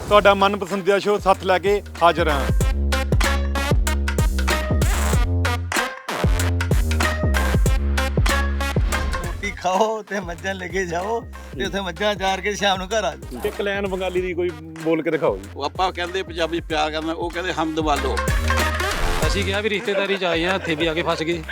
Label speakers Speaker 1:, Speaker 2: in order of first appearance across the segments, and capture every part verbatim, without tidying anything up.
Speaker 1: ਤੁਹਾਡਾ ਮਨਪਸੰਦੀਦਾ ਸ਼ੋਅ ਸੱਤ ਲੈ ਕੇ ਹਾਜ਼ਰ ਹਾਂ।
Speaker 2: ਰੋਟੀ ਖਾਓ ਤੇ ਮੱਝਾਂ ਲੈ ਕੇ ਜਾਓ ਤੇ ਉੱਥੇ ਮੱਝਾਂ ਚਾਰ ਕੇ ਸ਼ਾਮ ਨੂੰ ਘਰ ਆ ਜਾਓ।
Speaker 1: ਇੱਕ ਲਾਈਨ ਬੰਗਾਲੀ ਦੀ ਕੋਈ ਬੋਲ ਕੇ ਦਿਖਾਓ ਜੀ।
Speaker 3: ਉਹ ਆਪਾਂ ਕਹਿੰਦੇ ਪੰਜਾਬੀ ਪਿਆਰ ਕਰਨਾ, ਉਹ ਕਹਿੰਦੇ ਹਮਦ ਵਾਲੋ।
Speaker 4: ਅਸੀਂ ਕਿਹਾ ਵੀ ਰਿਸ਼ਤੇਦਾਰੀ ਚ ਆਏ ਆ, ਇੱਥੇ ਵੀ ਆ ਕੇ ਫਸ ਗਏ।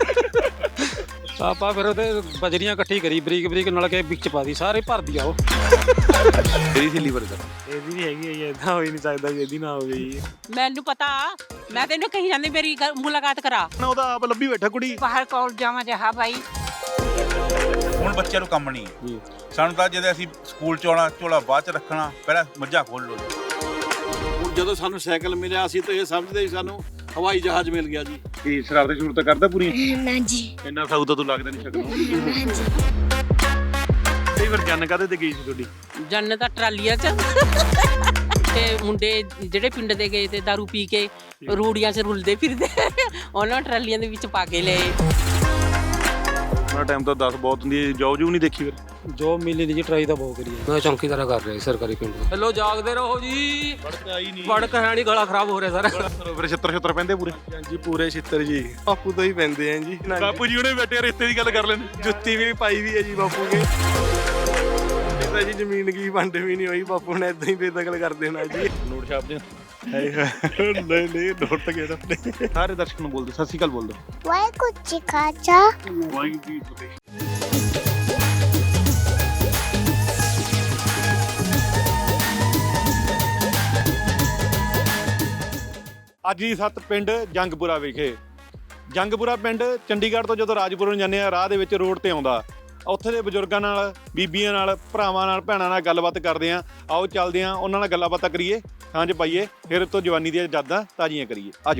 Speaker 4: ਆਪਾਂ ਫਿਰ ਉਹਦੇ ਬਜਰੀਆਂ ਇਕੱਠੀ ਕਰੀ ਬਰੀਕ ਬਰੀਕ ਨਾਲ ਕੇ ਵਿੱਚ ਪਾ ਦੀ, ਸਾਰੇ ਭਰ ਦੀ ਆਓ।
Speaker 1: ਤੇਰੀ ਸੀ ਲੀਵਰ ਦਾ
Speaker 4: ਇਹਦੀ ਵੀ ਹੈਗੀ ਹੈ, ਇਦਾਂ ਹੋ ਹੀ ਨਹੀਂ ਸਕਦਾ ਵੀ ਇਹਦੀ ਨਾ ਹੋਵੇ ਜੀ।
Speaker 5: ਮੈਨੂੰ ਪਤਾ, ਮੈਂ ਤੈਨੂੰ ਕਹੀ ਜਾਂਦੀ ਮੇਰੀ ਗੱਲ- ਮੁਲਾਕਾਤ ਕਰਾ।
Speaker 1: ਨਾ ਉਹਦਾ ਆਪ ਲੱਭੀ ਬੈਠਾ ਕੁੜੀ।
Speaker 5: ਬਾਹਰ ਕੋਲ ਜਾਵਾਂ ਜਹਾ ਭਾਈ।
Speaker 6: ਹੁਣ ਬੱਚਿਆਂ ਨੂੰ ਕੰਮ ਨਹੀਂ ਜੀ। ਸਾਨੂੰ ਤਾਂ ਜਦੋਂ ਅਸੀਂ ਸਕੂਲ ਚ ਆਉਣਾ, ਝੋਲਾ ਬਾਅਦ ਚ ਰੱਖਣਾ, ਪਹਿਲਾਂ ਮੱਝਾਂ ਖੋਲ ਲਓ ਜੀ।
Speaker 3: ਹੁਣ ਜਦੋਂ ਸਾਨੂੰ ਸਾਈਕਲ ਮਿਲਿਆ ਅਸੀਂ ਤਾਂ ਇਹ ਸਮਝਦੇ ਸੀ ਸਾਨੂੰ ਹਵਾਈ ਜਹਾਜ਼ ਮਿਲ ਗਿਆ ਜੀ।
Speaker 1: ਕੀ ਸ਼ਰਾਬ ਦੀ ਜ਼ਰੂਰਤ ਕਰਦਾ ਪੂਰੀ?
Speaker 7: ਨਾ ਜੀ।
Speaker 1: ਇੰਨਾ ਸਾਊ ਤਾਂ ਤੂੰ ਲੱਗਦਾ ਨਹੀਂ ਸ਼ਕਲ।
Speaker 7: ਨਾ ਜੀ।
Speaker 1: ਕਈ ਵਾਰ ਜਨ ਕਾਹਦੇ ਤੇ ਗਈ ਸੀ ਤੁਹਾਡੀ?
Speaker 5: ਜੰਨ ਤਾਂ ਟਰਾਲੀਆਂ 'ਚ ਤੇ ਮੁੰਡੇ ਜਿਹੜੇ ਪਿੰਡ ਦੇ ਗਏ ਤੇ ਦਾਰੂ ਪੀ ਕੇ ਰੂੜੀਆਂ 'ਚ ਰੁਲਦੇ ਫਿਰਦੇ, ਉਹਨਾਂ ਟਰਾਲੀਆਂ ਦੇ ਵਿੱਚ ਪਾ ਕੇ ਲਏ।
Speaker 1: ਉਹਨਾਂ ਟਾਈਮ ਤਾਂ ਦਸ ਬਹੁਤ ਹੁੰਦੀ ਹੈ। ਜੋਬ ਜੂ ਨਹੀਂ ਦੇਖੀ ਫਿਰ?
Speaker 4: ਜੋ ਮਿਲੀ ਨਹੀਂ ਜੀ, ਟਰਾਈ ਤਾਂ ਬਹੁਤ ਕਰੀ ਮੈਂ ਚੌਂਕੀਦਾਰਾ ਕਰ ਰਿਹਾ ਸਰਕਾਰੀ ਪਿੰਡ। ਹੈਲੋ, ਜਾਗਦੇ ਰਹੋ ਜੀ।
Speaker 1: ਵੜਕ ਆਈ ਨਹੀਂ।
Speaker 4: ਵੜਕ ਹੈ ਨਹੀਂ, ਗਲਾ ਖਰਾਬ ਹੋ ਰਿਹਾ ਸਾਰਾ।
Speaker 1: ਫਿਰ ਛਿੱਤਰ ਛਿੱਤਰ ਪੈਂਦੇ ਪੂਰੇ?
Speaker 8: ਜੀ ਪੂਰੇ ਛਿੱਤਰ ਜੀ, ਬਾਪੂ ਤੋਂ ਹੀ ਪੈਂਦੇ ਆ ਜੀ।
Speaker 1: ਬਾਪੂ ਜੀ ਉਹਨੇ ਬੈਠੇ ਰਿਸ਼ਤੇ ਦੀ ਗੱਲ ਕਰ ਲੈਂਦੇ।
Speaker 8: ਜੁੱਤੀ ਵੀ ਪਾਈ ਵੀ ਹੈ ਜੀ ਬਾਪੂ ਕੇ। ਇਹਦਾ ਜੀ ਜ਼ਮੀਨ ਕੀ ਵੰਡ ਵੀ ਨਹੀਂ ਹੋਈ, ਬਾਪੂ ਨੇ ਇਦਾਂ ਹੀ ਬੇਦਖਲ ਕਰ ਦੇਣਾ ਜੀ।
Speaker 1: ਨੋਟ ਛਾਪ ਦੇ।
Speaker 8: ਨਹੀਂ ਨਹੀਂ ਡੋਟ ਕੇ ਰੱਖਦੇ।
Speaker 1: ਸਾਰੇ ਦਰਸ਼ਕ ਨੂੰ ਬੋਲ ਦਿਓ, ਸਤਿ ਸ਼੍ਰੀ ਅਕਾਲ ਬੋਲ ਦਿਓ।
Speaker 7: ਵਾਹਿਗੁਰੂ ਜੀ ਕਾ ਖਾਲਸਾ।
Speaker 1: ਵਾਹਿਗੁਰੂ ਜੀ ਕੀ ਫਤਿਹ। ਅੱਜ ਹੀ ਸੱਤ ਪਿੰਡ ਜੰਗਪੁਰਾ ਵਿਖੇ। ਜੰਗਪੁਰਾ ਪਿੰਡ ਚੰਡੀਗੜ੍ਹ ਤੋਂ ਜਦੋਂ ਰਾਜਪੁਰ ਨੂੰ ਜਾਂਦੇ ਆ, ਰਾਹ ਦੇ ਵਿੱਚ ਰੋਡ ਤੇ ਆਉਂਦਾ। ਉੱਥੇ ਦੇ ਬਜ਼ੁਰਗਾਂ ਨਾਲ, ਬੀਬੀਆਂ ਨਾਲ, ਭਰਾਵਾਂ ਨਾਲ, ਭੈਣਾਂ ਨਾਲ ਗੱਲਬਾਤ ਕਰਦੇ ਆ। ਆਓ ਚੱਲਦੇ ਆ, ਉਹਨਾਂ ਨਾਲ ਗੱਲਾਂ ਬਾਤਾਂ ਕਰੀਏ, ਸਾਂਝ ਪਾਈਏ, ਫਿਰ ਤੋਂ ਜਵਾਨੀ ਦੀਆਂ ਯਾਦਾਂ ਤਾਜ਼ੀਆਂ ਕਰੀਏ। ਆਜੋ।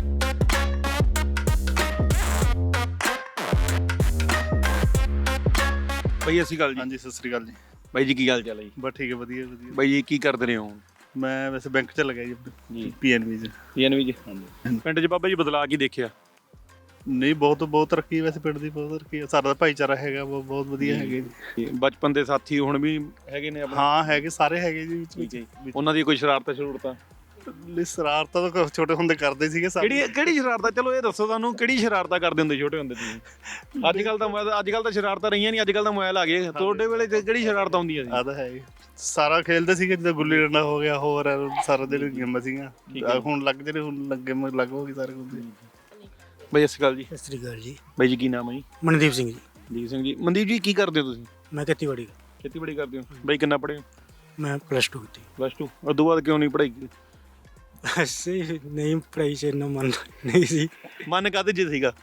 Speaker 1: ਬਾਈ ਅਸੀਂ ਗੱਲ ਜੀ।
Speaker 8: ਹਾਂਜੀ ਸਤਿ ਸ੍ਰੀ ਅਕਾਲ ਜੀ।
Speaker 1: ਬਾਈ ਜੀ ਕੀ ਗੱਲ ਚੱਲ ਜੀ?
Speaker 8: ਬਸ ਠੀਕ ਹੈ, ਵਧੀਆ ਵਧੀਆ।
Speaker 1: ਬਾਈ ਜੀ ਕੀ ਕਰਦੇ ਰਹੇ ਹੋ?
Speaker 8: ਮੈਂ ਵੈਸੇ ਬੈਂਕ ਚ ਲੱਗਿਆ ਜੀ,
Speaker 1: ਜੀ
Speaker 8: ਪੀਐਨਬੀ ਚ।
Speaker 1: ਪੀਐਨਬੀ ਜੀ। ਪਿੰਡ 'ਚ ਬਾਬਾ ਜੀ ਬਦਲਾਅ ਕੀ ਦੇਖਿਆ?
Speaker 8: ਨਹੀਂ ਬਹੁਤ ਬਹੁਤ ਤਰੱਕੀ, ਵੈਸੇ ਪਿੰਡ ਦੀ ਬਹੁਤ ਤਰੱਕੀ ਹੈ। ਸਾਡਾ ਭਾਈਚਾਰਾ ਹੈਗਾ, ਬਹੁਤ ਬਹੁਤ ਵਧੀਆ ਹੈਗੇ ਜੀ।
Speaker 1: ਬਚਪਨ ਦੇ ਸਾਥੀ ਹੁਣ ਵੀ ਹੈਗੇ ਨੇ ਆਪਣੇ?
Speaker 8: ਹਾਂ ਹੈਗੇ, ਸਾਰੇ ਹੈਗੇ ਜੀ ਵਿੱਚ
Speaker 1: ਠੀਕ ਹੈ
Speaker 8: ਵਿੱਚ।
Speaker 1: ਉਹਨਾਂ ਦੀ ਕੋਈ ਸ਼ਰਾਰਤਾਂ ਸ਼ਰੂਰਤਾਂ?
Speaker 8: ਲਈ ਸ਼ਰਾਰਤਾਂ ਤਾਂ ਛੋਟੇ ਹੁੰਦੇ ਕਰਦੇ ਸੀਗੇ ਸਾਰੇ।
Speaker 1: ਕਿਹੜੀ ਕਿਹੜੀ ਸ਼ਰਾਰਤਾਂ? ਚਲੋ ਇਹ ਦੱਸੋ ਤੁਹਾਨੂੰ, ਕਿਹੜੀ ਸ਼ਰਾਰਤਾਂ ਕਰਦੇ ਹੁੰਦੇ ਛੋਟੇ ਹੁੰਦੇ ਤੁਸੀਂ? ਅੱਜ ਕੱਲ ਤਾਂ ਮੋਬਾਈਲ, ਅੱਜ ਕੱਲ ਤਾਂ ਸ਼ਰਾਰਤਾਂ ਰਹੀਆਂ ਨਹੀਂ, ਅੱਜ ਕੱਲ ਤਾਂ ਮੋਬਾਈਲ ਆ ਗਏ। ਤੁਹਾਡੇ ਵੇਲੇ ਤੇ ਕਿਹੜੀ ਸ਼ਰਾਰਤਾਂ ਹੁੰਦੀਆਂ ਸੀ?
Speaker 8: ਆ ਤਾਂ ਹੈ ਜੀ। ਸਾਰਾ ਖੇਲਦੇ ਸੀਗੇ, ਜਿੱਦਾਂ ਗੁੱਲੀ ਡੰਡਾ ਹੋ ਗਿਆ, ਹੋਰ ਸਾਰਾ ਦਿਨ ਗੇਮਾਂ ਸੀਗੀਆਂ। ਹੁਣ ਲੱਗ ਜਿਹੜੇ ਹੁਣ ਲੱਗੇ ਲੱਗ ਹੋ ਗਈ ਸਾਰੇ ਕੁਝ।
Speaker 1: ਬਾਈ ਸਤਿ ਸ਼੍ਰੀ ਅਕਾਲ ਜੀ।
Speaker 4: ਸਤਿ ਸ੍ਰੀ ਅਕਾਲ ਜੀ।
Speaker 1: ਬਾਈ ਜੀ ਕੀ ਨਾਮ ਹੈ ਜੀ?
Speaker 4: ਮਨਦੀਪ ਸਿੰਘ ਜੀ।
Speaker 1: ਮਨਦੀਪ ਸਿੰਘ ਜੀ। ਮਨਦੀਪ ਜੀ ਕੀ ਕਰਦੇ ਹੋ ਤੁਸੀਂ?
Speaker 4: ਮੈਂ ਖੇਤੀਬਾੜੀ
Speaker 1: ਖੇਤੀਬਾੜੀ ਕਰਦੇ ਹੋ। ਬਾਈ ਕਿੰਨਾ ਪੜ੍ਹੇ ਹੋ?
Speaker 4: ਮੈਂ ਪਲੱਸ ਟੂ ਕੀਤੀ।
Speaker 1: Plus two. ਉਸ ਤੋਂ ਬਾਅਦ ਕਿਉਂ ਨਹੀਂ ਪੜ੍ਹਾਈ ਕੀਤੀ?
Speaker 4: ਅਸੀਂ ਨਹੀਂ ਪੜ੍ਹਾਈ 'ਚ ਇੰਨਾ ਮਨ ਨਹੀਂ ਸੀ।
Speaker 1: ਮਨ ਕਾਹਦੇ 'ਚ ਸੀਗਾ?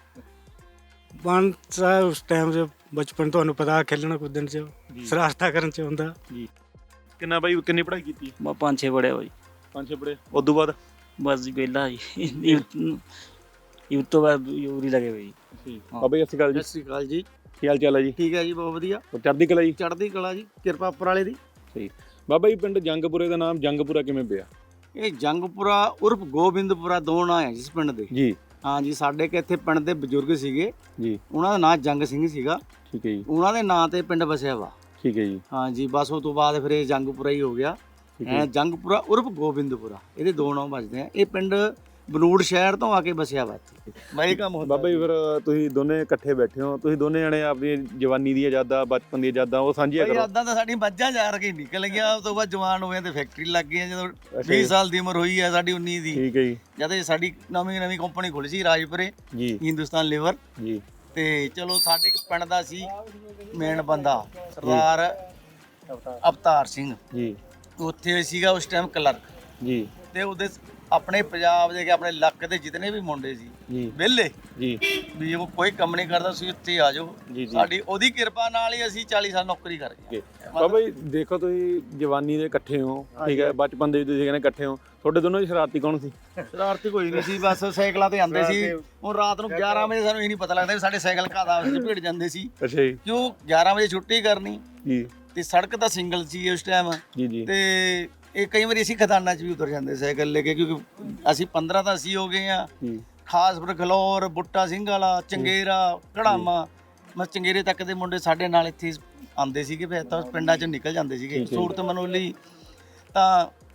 Speaker 4: ਮਨ ਤਾਂ ਉਸ ਟਾਈਮ 'ਚ ਬਚਪਨ, ਤੁਹਾਨੂੰ ਪਤਾ, ਖੇਲਣਾ ਕੁੱਦਣ 'ਚ, ਸ਼ਰਾਰਤਾਂ ਕਰਨ 'ਚ ਹੁੰਦਾ।
Speaker 1: ਜੀ। ਕਿੰਨਾ ਬਾਈ, ਕਿੰਨੀ ਪੜ੍ਹਾਈ ਕੀਤੀ?
Speaker 9: ਮੈਂ ਪੰਜ ਛੇ ਪੜ੍ਹਿਆ ਬਾਈ।
Speaker 1: ਪੰਜ ਛੇ ਪੜ੍ਹੇ। ਉਸ ਤੋਂ ਬਾਅਦ
Speaker 9: ਬਸ ਜੀ ਵਿਹਲਾ ਜੀ। ਯੂਥ ਤੋਂ ਬਾਅਦ ਯੂਰੀ ਲੱਗੇ ਬਾਈ।
Speaker 1: ਬਾਬਾ ਜੀ ਸਤਿ ਸ਼੍ਰੀ ਅਕਾਲ ਜੀ।
Speaker 2: ਸਤਿ ਸ੍ਰੀ ਅਕਾਲ ਜੀ।
Speaker 1: ਕੀ ਹਾਲ ਚਾਲ ਹੈ ਜੀ?
Speaker 2: ਠੀਕ ਹੈ ਜੀ, ਬਹੁਤ ਵਧੀਆ।
Speaker 1: ਚੜ੍ਹਦੀ ਕਲਾ ਜੀ।
Speaker 2: ਚੜ੍ਹਦੀ ਕਲਾ ਜੀ, ਕਿਰਪਾ ਉੱਪਰ ਵਾਲੇ ਦੀ।
Speaker 1: ਸਹੀ। ਬਾਬਾ ਜੀ ਪਿੰਡ ਜੰਗਪੁਰੇ ਦਾ ਨਾਮ ਜੰਗਪੁਰਾ ਕਿਵੇਂ ਪਿਆ?
Speaker 2: ਇਹ ਜੰਗਪੁਰਾ ਉਰਫ ਗੋਬਿੰਦਪੁਰਾ ਦੋ ਨਾਂ ਹੈ ਜਿਸ ਪਿੰਡ ਦੇ।
Speaker 1: ਜੀ।
Speaker 2: ਹਾਂ ਜੀ, ਸਾਡੇ ਕਿ ਇੱਥੇ ਪਿੰਡ ਦੇ ਬਜ਼ੁਰਗ ਸੀਗੇ
Speaker 1: ਜੀ।
Speaker 2: ਉਹਨਾਂ ਦਾ ਨਾਂ ਜੰਗ ਸਿੰਘ ਸੀਗਾ।
Speaker 1: ਠੀਕ ਹੈ ਜੀ।
Speaker 2: ਉਹਨਾਂ ਦੇ ਨਾਂ ਤੇ ਪਿੰਡ ਵਸਿਆ ਵਾ।
Speaker 1: ਠੀਕ ਹੈ ਜੀ।
Speaker 2: ਹਾਂ ਜੀ, ਬਸ ਉਹ ਤੋਂ ਬਾਅਦ ਫਿਰ ਇਹ ਜੰਗਪੁਰਾ ਹੀ ਹੋ ਗਿਆ। ਐ ਜੰਗਪੁਰਾ ਉਰਫ ਗੋਬਿੰਦਪੁਰਾ, ਇਹਦੇ ਦੋ ਨਾਂ ਵੱਜਦੇ ਆ। ਇਹ ਪਿੰਡ ਬਨੂੜ ਸ਼ਹਿਰ ਤੋਂ ਆ ਕੇ ਵਸਿਆ ਵਾ ਇੱਥੇ। ਮੈਂ ਇਹ ਕੰਮ ਹੁੰਦਾ।
Speaker 1: ਬਾਬਾ ਜੀ ਫਿਰ ਤੁਸੀਂ ਦੋਨੇ ਇਕੱਠੇ ਬੈਠੇ ਹੋ, ਤੁਸੀਂ ਦੋਨੇ ਜਣੇ ਆਪਣੀ ਜਵਾਨੀ ਦੀਆਂ ਯਾਦਾਂ, ਬਚਪਨ ਦੀਆਂ ਯਾਦਾਂ ਉਹ ਸਾਂਝੀਆਂ ਕਰੋ।
Speaker 2: ਯਾਦਾਂ ਤਾਂ ਸਾਡੀ ਮੱਝਾਂ ਜਾ ਕੇ ਨਿਕਲ ਗਿਆ। ਉਸ ਤੋਂ ਬਾਅਦ ਜਵਾਨ ਹੋਏ ਤੇ ਫੈਕਟਰੀ ਲੱਗ ਗਈ। ਜਦੋਂ ਵੀਹ ਸਾਲ ਦੀ ਉਮਰ ਹੋਈ ਹੈ ਸਾਡੀ, ਉੱਨੀ ਦੀ,
Speaker 1: ਠੀਕ ਹੈ ਜੀ।
Speaker 2: ਜਦ ਸਾਡੀ ਨਵੀਂ ਨਵੀਂ ਕੰਪਨੀ ਖੁੱਲ੍ਹੀ ਸੀ ਰਾਜਪੁਰੇ,
Speaker 1: ਜੀ।
Speaker 2: ਹਿੰਦੁਸਤਾਨ ਲੀਵਰ।
Speaker 1: ਜੀ।
Speaker 2: ਤੇ ਚਲੋ ਸਾਡੇ ਇੱਕ ਪਿੰਡ ਦਾ ਸੀ ਮੇਨ ਬੰਦਾ, ਸਰਦਾਰ ਅਵਤਾਰ ਸਿੰਘ
Speaker 1: ਜੀ।
Speaker 2: ਉੱਥੇ ਸੀਗਾ ਉਸ ਟਾਈਮ ਕਲਰਕ।
Speaker 1: ਜੀ।
Speaker 2: ਤੇ ਉਹਦੇ ਆਪਣੇ ਪੰਜਾਬ ਦੇ ਕੇ ਆਪਣੇ ਇਲਾਕੇ ਦੇ ਜਿਤਨੇ ਵੀ ਮੁੰਡੇ ਸੀ
Speaker 1: ਜੀ।
Speaker 2: ਵਿਹਲੇ,
Speaker 1: ਜੀ।
Speaker 2: ਵੀ ਉਹ ਕੋਈ ਕੰਮ ਨਹੀਂ ਕਰਦਾ ਸੀ, ਉੱਥੇ ਆ ਜਾਓ।
Speaker 1: ਜੀ, ਜੀ।
Speaker 2: ਸਾਡੀ ਉਹਦੀ ਕਿਰਪਾ ਨਾਲ ਹੀ ਅਸੀਂ ਚਾਲੀ ਸਾਲ ਨੌਕਰੀ ਕਰ ਗਏ।
Speaker 1: ਬਾਬਾ ਜੀ ਦੇਖੋ, ਤੁਸੀਂ ਜਵਾਨੀ ਦੇ ਇਕੱਠੇ ਹੋ, ਠੀਕ ਹੈ, ਬਚਪਨ ਦੇ ਵੀ ਤੁਸੀਂ ਕਹਿੰਦੇ ਇਕੱਠੇ ਹੋ। ਤੁਹਾਡੇ ਦੋਨੋਂ ਦੀ ਸ਼ਰਾਰਤੀ ਕੌਣ ਸੀ?
Speaker 2: ਸ਼ਰਾਰਤੀ ਕੋਈ ਨਹੀਂ ਸੀ, ਬਸ ਸਾਈਕਲਾਂ ਤੇ ਆਉਂਦੇ ਸੀ। ਹੁਣ ਰਾਤ ਨੂੰ ਗਿਆਰਾਂ ਵਜੇ ਸਾਨੂੰ ਇਹ ਨਹੀਂ ਪਤਾ ਲੱਗਦਾ ਵੀ ਸਾਡੇ ਸਾਈਕਲ ਘਾਹ ਦਾ ਵਿੱਚ ਭਿੜ ਜਾਂਦੇ ਸੀ।
Speaker 1: ਅੱਛਾ ਜੀ।
Speaker 2: ਕਿਉਂ ਗਿਆਰਾਂ ਵਜੇ ਛੁੱਟੀ ਕਰਨੀ
Speaker 1: ਜੀ।
Speaker 2: ਤੇ ਸੜਕ ਤਾਂ ਸਿੰਗਲ ਸੀ ਉਸ ਟਾਈਮ।
Speaker 1: ਜੀ। ਜੀ।
Speaker 2: ਤੇ ਇਹ ਕਈ ਵਾਰੀ ਅਸੀਂ ਖਦਾਨਾਂ 'ਚ ਵੀ ਉਤਰ ਜਾਂਦੇ ਸਾਈਕਲ ਲੈ ਕੇ, ਕਿਉਂਕਿ ਅਸੀਂ ਪੰਦਰਾਂ ਤਾਂ ਅਸੀਂ ਹੋ ਗਏ ਆ। ਖਾਸਪੁਰ, ਖਲੌਰ, ਬੁੱਟਾ ਸਿੰਘ ਵਾਲਾ, ਚੰਗੇਰਾ, ਘੜਾਮਾ, ਮੈਂ ਚੰਗੇਰੇ ਤੱਕ ਦੇ ਮੁੰਡੇ ਸਾਡੇ ਨਾਲ ਇੱਥੇ ਆਉਂਦੇ ਸੀਗੇ। ਫਿਰ ਤਾਂ ਪਿੰਡਾਂ 'ਚ ਨਿਕਲ ਜਾਂਦੇ ਸੀਗੇ। ਸੂਰਤ ਮਨੋਲੀ ਤਾਂ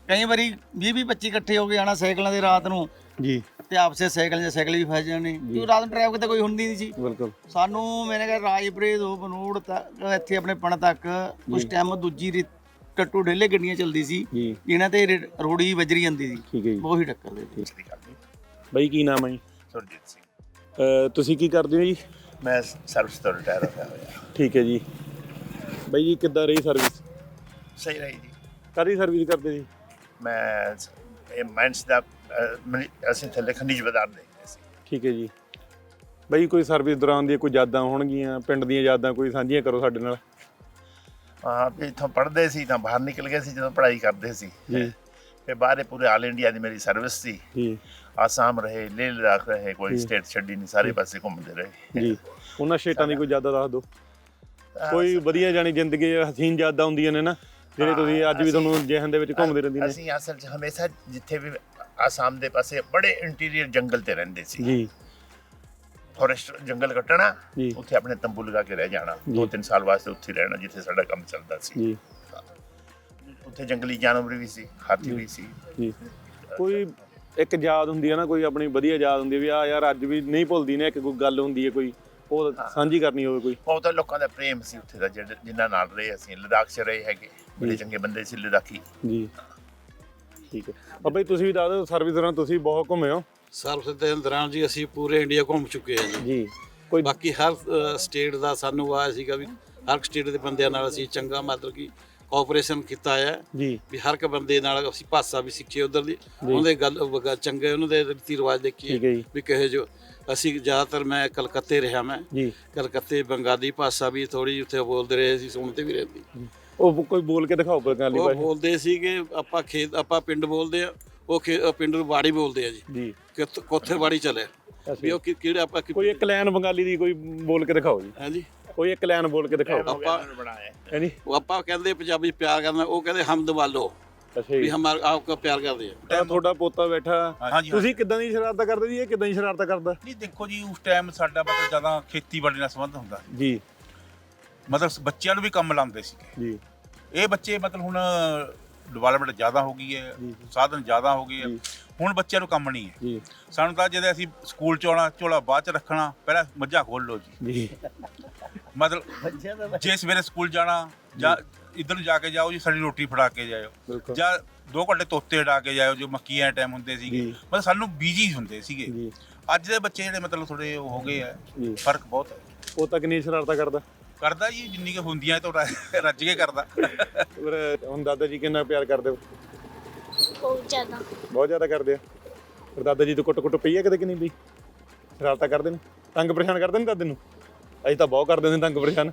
Speaker 2: ਕਈ ਵਾਰੀ ਵੀਹ ਵੀਹ ਪੱਚੀ ਇਕੱਠੇ ਹੋ ਕੇ ਆਣਾ ਸਾਈਕਲਾਂ ਦੇ ਰਾਤ ਨੂੰ
Speaker 1: ਜੀ
Speaker 2: ਤੇ ਆਪਸੇ ਸਾਈਕਲ ਜਾਂ ਸਾਈਕਲ ਵੀ ਫਸ ਜਾਣੇ ਕਿਉਂ ਰਾਤ ਨੂੰ ਟ੍ਰੈਫਿਕ ਤੇ ਕੋਈ ਹੁੰਦੀ ਨਹੀਂ ਸੀ।
Speaker 1: ਬਿਲਕੁਲ
Speaker 2: ਸਾਨੂੰ ਮੈਨੇ ਕਿਹਾ ਰਾਜਪੁਰੇ ਤੋਂ ਬਨੂੜ ਤੱਕ ਇੱਥੇ ਆਪਣੇ ਪਣ ਤੱਕ ਉਸ ਟਾਈਮ ਦੂਜੀ ਰੀ- ਟੱਟੂ ਢੇਲੇ ਗੱਡੀਆਂ ਚੱਲਦੀ ਸੀ
Speaker 1: ਜੀ
Speaker 2: ਇਹਨਾਂ ਤੇ ਰੇ- ਰੋੜੀ ਵੱਜਰੀ ਜਾਂਦੀ ਸੀ
Speaker 1: ਠੀਕ ਹੈ ਜੀ
Speaker 2: ਉਹੀ ਟੱਕਰ ਦੇ ਸੀ।
Speaker 1: ਬਾਈ ਕੀ ਨਾਮ ਹੈ ਜੀ?
Speaker 10: ਸੁਰਜੀਤ ਸਿੰਘ
Speaker 1: ਅਹ ਤੁਸੀਂ ਕੀ ਕਰਦੇ ਹੋ ਜੀ?
Speaker 10: ਮੈਂ ਸਰਵਿਸ ਤੋਂ ਰਿਟਾਇਰ ਹੋਇਆ ਹੋਇਆ
Speaker 1: ਠੀਕ ਹੈ ਜੀ। ਬਾਈ ਜੀ ਕਿੱਦਾਂ ਰਹੀ ਸਰਵਿਸ?
Speaker 10: ਸਹੀ ਰਹੀ ਜੀ।
Speaker 1: ਕਾਹਦੀ ਸਰਵਿਸ ਕਰਦੇ ਜੀ?
Speaker 10: ਮੈਂ ਇਹ ਮਾਈਨਸ ਦਾ ਅਹ, ਮਨੀ- ਅਸੀਂ ਥੱਲੇ ਖਣਿਜ ਬਾਜ਼ਾਰ ਦੇਖਦੇ ਸੀ।
Speaker 1: ਠੀਕ ਹੈ ਜੀ। ਬਾਈ ਕੋਈ ਸਰਵਿਸ ਦੌਰਾਨ ਦੀਆਂ ਕੋਈ ਯਾਦਾਂ ਹੋਣਗੀਆਂ ਪਿੰਡ ਦੀਆਂ ਯਾਦਾਂ ਕੋਈ ਸਾਂਝੀਆਂ ਕਰੋ ਸਾਡੇ ਨਾਲ।
Speaker 10: ਹਾਂ ਵੀ ਇੱਥੋਂ ਪੜ੍ਹਦੇ ਸੀ ਤਾਂ ਬਾਹਰ ਨਿਕਲ ਗਏ ਸੀ ਜਦੋਂ ਪੜ੍ਹਾਈ ਕਰਦੇ ਸੀ
Speaker 1: ਜੀ
Speaker 10: ਫਿਰ ਬਾਹਰ ਪੂਰੇ ਆਲ ਇੰਡੀਆ ਦੀ ਮੇਰੀ ਸਰਵਿਸ ਸੀ।
Speaker 1: ਜੀ
Speaker 10: ਆਸਾਮ ਰਹੇ ਲੇਹ ਲਦਾਖ ਰਹੇ ਕੋਈ ਸਟੇਟ ਛੱਡੀ ਨਹੀਂ ਸਾਰੇ ਪਾਸੇ ਘੁੰਮਦੇ ਰਹੇ।
Speaker 1: ਜੀ ਉਹਨਾਂ ਸਟੇਟਾਂ ਦੀ ਕੋਈ ਯਾਦਾਂ ਦੱਸ ਦਿਓ ਕੋਈ ਵਧੀਆ ਜਾਣੀ ਜ਼ਿੰਦਗੀ ਹਸੀਨ ਯਾਦਾਂ ਹੁੰਦੀਆਂ ਨੇ ਨਾ ਜਿਹੜੇ ਤੁਸੀਂ ਅੱਜ ਵੀ ਤੁਹਾਨੂੰ ਜਿਹਨ ਦੇ ਵਿੱਚ ਘੁੰਮਦੇ ਰਹਿੰਦੀਆਂ ਨੇ।
Speaker 10: ਅਸੀਂ ਅਸਲ 'ਚ ਹਮੇਸ਼ਾ ਜਿੱਥੇ ਵੀ ਆਸਾਮ ਦੇ ਪਾਸੇ ਬੜੇ ਇੰਟੀਰੀਅਰ ਜੰਗਲ ਤੇ ਰਹਿੰਦੇ ਸੀ।
Speaker 1: ਜੀ
Speaker 10: ਫੋਰੈਸਟ ਜੰਗਲ ਕੱਟਣਾ
Speaker 1: ਜੀ
Speaker 10: ਉੱਥੇ ਆਪਣੇ ਤੰਬੂ ਲਗਾ ਕੇ ਰਹਿ ਜਾਣਾ ਦੋ ਤਿੰਨ ਸਾਲ ਵਾਸਤੇ ਉੱਥੇ ਰਹਿਣਾ ਜਿੱਥੇ ਸਾਡਾ ਕੰਮ ਚੱਲਦਾ ਸੀ।
Speaker 1: ਜੀ
Speaker 10: ਉੱਥੇ ਜੰਗਲੀ ਜਾਨਵਰ ਵੀ ਸੀ ਹਾਥੀ ਵੀ ਸੀ।
Speaker 1: ਜੀ ਕੋਈ ਇੱਕ ਯਾਦ ਹੁੰਦੀ ਹੈ ਨਾ ਕੋਈ ਆਪਣੀ ਵਧੀਆ ਯਾਦ ਹੁੰਦੀ ਹੈ ਵੀ ਆ ਯਾਰ ਅੱਜ ਵੀ ਨਹੀਂ ਭੁੱਲਦੀ ਨੇ ਇੱਕ ਕੋਈ ਗੱਲ ਹੁੰਦੀ ਹੈ ਕੋਈ ਉਹ ਸਾਂਝੀ ਕਰਨੀ ਹੋਵੇ ਕੋਈ।
Speaker 10: ਬਹੁਤ ਲੋਕਾਂ ਦਾ ਪ੍ਰੇਮ ਸੀ ਉੱਥੇ ਦਾ ਜਿਹੜੇ ਜਿਨ੍ਹਾਂ ਨਾਲ ਰਹੇ ਅਸੀਂ ਲਦਾਖ 'ਚ ਰਹੇ ਹੈਗੇ ਬੜੇ ਚੰਗੇ ਬੰਦੇ ਸੀ ਲਦਾਖੀ।
Speaker 1: ਜੀ ਠੀਕ ਹੈ ਬਾਬਾ ਜੀ ਤੁਸੀਂ ਵੀ ਦੱਸ ਦਿਓ ਸਰਵਿਸ ਦੌਰਾਨ ਤੁਸੀਂ ਬਹੁਤ ਘੁੰਮੇ ਹੋ।
Speaker 3: ਸਰਵਿਸ ਦੇ ਦੌਰਾਨ ਜੀ ਅਸੀਂ ਪੂਰੇ ਇੰਡੀਆ ਘੁੰਮ ਚੁੱਕੇ ਹਾਂ ਜੀ।
Speaker 1: ਜੀ ਕੋਈ
Speaker 3: ਬਾਕੀ ਹਰ ਸਟੇਟ ਦਾ ਸਾਨੂੰ ਆਇਆ ਸੀਗਾ ਵੀ ਹਰ ਸਟੇਟ ਦੇ ਬੰਦਿਆਂ ਨਾਲ ਅਸੀਂ ਚੰਗਾ ਮਤਲਬ ਕਿ ਕੋਆਪਰੇਸ਼ਨ ਕੀਤਾ ਹੈ
Speaker 1: ਜੀ
Speaker 3: ਵੀ ਹਰ ਇੱਕ ਬੰਦੇ ਨਾਲ ਅਸੀਂ ਭਾਸ਼ਾ ਵੀ ਸਿੱਖੀ ਉਧਰ ਦੀ ਉਹਦੇ ਗੱਲ ਵਗਾ- ਚੰਗੇ ਉਹਨਾਂ ਦੇ ਰੀਤੀ ਰਿਵਾਜ ਦੇਖੀਏ
Speaker 1: ਠੀਕ ਹੈ ਜੀ
Speaker 3: ਵੀ ਕਹੇ ਜੋ ਅਸੀਂ ਜ਼ਿਆਦਾਤਰ ਮੈਂ ਕਲਕੱਤੇ ਰਿਹਾ ਮੈਂ
Speaker 1: ਜੀ
Speaker 3: ਕਲਕੱਤੇ ਬੰਗਾਲੀ ਭਾਸ਼ਾ ਵੀ ਥੋੜੀ ਉੱਥੇ ਬੋਲਦੇ ਰਹੇ ਸੀ ਸੁਣਦੇ ਵੀ ਰਹਿੰਦੀ
Speaker 1: ਉਹ ਕੋਈ ਬੋਲ ਕੇ ਦਿਖਾਓ ਬੰਗਾਲੀ
Speaker 3: ਉਹ
Speaker 1: ਭਾਸ਼ਾ।
Speaker 3: ਬੋਲਦੇ ਸੀਗੇ ਆਪਾਂ ਖੇਤ ਆਪਾਂ ਪਿੰਡ ਬੋਲਦੇ ਆ ਉਹ ਖੇ- ਅ, ਪਿੰਡ ਨੂੰ ਬਾੜੀ ਬੋਲਦੇ ਆ ਜੀ
Speaker 1: ਜੀ
Speaker 3: ਕਿੱਥ- ਕੋਥੇ ਬਾੜੀ ਚੱਲੇ ਵੀ ਉਹ ਕਿ- ਕਿਹੜੇ ਆਪਾਂ ਕਿ-
Speaker 1: ਕੋਈ ਇੱਕ ਲਾਈਨ ਬੰਗਾਲੀ ਦੀ ਕੋਈ ਬੋਲ ਕੇ ਦਿਖਾਓ ਜੀ
Speaker 3: ਹਾਂਜੀ
Speaker 1: ਕੋਈ ਇੱਕ ਲਾਈਨ ਬੋਲ ਕੇ ਦਿਖਾਓ
Speaker 3: ਆਪਾਂ
Speaker 1: ਹੈ ਜੀ
Speaker 3: ਉਹ ਆਪਾਂ ਕਹਿੰਦੇ ਪੰਜਾਬੀ 'ਚ ਪਿਆਰ ਕਰਨਾ ਉਹ ਕਹਿੰਦੇ ਹਮਦ ਵਾਲੋ
Speaker 1: ਅੱਛਾ
Speaker 3: ਵੀ
Speaker 1: ਜੀ
Speaker 3: ਹਮਾਰ ਆਪਕੋ ਪਿਆਰ ਕਰਦੇ ਆ
Speaker 1: ਤਾਂ ਤੁਹਾਡਾ ਪੋਤਾ ਬੈਠਾ
Speaker 6: ਹਾਂਜੀ
Speaker 1: ਤੁਸੀਂ ਕਿੱਦਾਂ ਦੀ ਸ਼ਰਾਰਤਾਂ ਕਰਦੇ ਜੀ ਇਹ ਕਿੱਦਾਂ ਦੀ ਸ਼ਰਾਰਤਾਂ ਕਰਦਾ?
Speaker 6: ਨਹੀਂ ਦੇਖੋ ਜੀ ਉਸ ਟਾਈਮ ਸਾਡਾ ਮਤਲਬ ਜ਼ਿਆਦਾ ਖੇਤੀਬਾੜੀ ਨਾਲ ਸੰਬੰਧ ਹੁੰਦਾ
Speaker 1: ਜੀ
Speaker 6: ਮਤਲਬ ਬੱਚਿਆਂ ਨੂੰ ਵੀ ਕੰਮ ਲਾਉਂਦੇ ਸੀਗੇ।
Speaker 1: ਜੀ
Speaker 6: ਇਹ ਬੱਚੇ ਮਤਲਬ ਹੁਣ ਡਿਵੈਲਪਮੈਂਟ ਜ਼ਿਆਦਾ ਹੋ ਗਈ ਹੈ ਸਾਧਨ ਜ਼ਿਆਦਾ ਹੋ ਗਏ ਹੈ ਹੁਣ ਬੱਚਿਆਂ ਨੂੰ ਕੰਮ ਨਹੀਂ ਹੈ।
Speaker 1: ਜੀ
Speaker 6: ਸਾਨੂੰ ਤਾਂ ਜਦੋਂ ਅਸੀਂ ਸਕੂਲ ਚ ਆਉਣਾ ਝੋਲਾ ਬਾਅਦ ਚ ਰੱਖਣਾ ਪਹਿਲਾਂ ਮੱਝਾਂ ਖੋਲ ਲਓ ਜੀ
Speaker 1: ਜੀ
Speaker 6: ਮਤਲਬ ਜੇ ਸਵੇਰੇ ਸਕੂਲ ਜਾਣਾ ਜਾਂ ਇੱਧਰ ਨੂੰ ਜਾ ਕੇ ਜਾਓ ਜੀ ਸਾਡੀ ਰੋਟੀ ਫੜਾ ਕੇ ਜਾਇਓ
Speaker 1: ਬਿਲਕੁਲ
Speaker 6: ਜਾਂ ਦੋ ਘੰਟੇ ਤੋਤੇ ਉਡਾ ਕੇ ਜਾਇਓ ਜੋ ਮੱਕੀਆਂ ਟਾਈਮ ਹੁੰਦੇ ਸੀਗੇ
Speaker 1: ਜੀ।
Speaker 6: ਮਤਲਬ ਸਾਨੂੰ ਬੀਜੀ ਹੁੰਦੇ ਸੀਗੇ।
Speaker 1: ਜੀ
Speaker 6: ਅੱਜ ਦੇ ਬੱਚੇ ਜਿਹੜੇ ਮਤਲਬ ਥੋੜੇ ਹੋ ਗਏ ਆ
Speaker 1: ਜੀ
Speaker 6: ਫਰਕ ਬਹੁਤ ਹੈ।
Speaker 1: ਪੋਤਾ ਕਿੰਨੀ ਸ਼ਰਾਰਤਾਂ ਕਰਦਾ?
Speaker 6: ਕਰਦਾ ਜੀ ਜਿੰਨੀ ਕੁ ਹੁੰਦੀਆਂ ਤਾਂ ਰ- ਰੱਜ ਕੇ ਕਰਦਾ।
Speaker 1: ਫਿਰ ਹੁਣ ਦਾਦਾ ਜੀ ਕਿੰਨਾ ਪਿਆਰ ਕਰਦੇ ਹੋ?
Speaker 7: ਬਹੁਤ ਜ਼ਿਆਦਾ।
Speaker 1: ਬਹੁਤ ਜ਼ਿਆਦਾ ਕਰਦੇ ਆ। ਫਿਰ ਦਾਦਾ ਜੀ ਤੋਂ ਕੁੱਟ ਕੁੱਟ ਪਈ ਆ ਕਿਤੇ ਕਿ ਨਹੀਂ ਪਈ? ਸ਼ਰਾਰਤਾਂ ਕਰਦੇ ਨੇ ਤੰਗ ਪਰੇਸ਼ਾਨ ਕਰਦੇ ਨੇ ਦਾਦੇ ਨੂੰ? ਅਸੀਂ ਤਾਂ ਬਹੁਤ ਕਰਦੇ ਨੇ ਤੰਗ ਪਰੇਸ਼ਾਨ।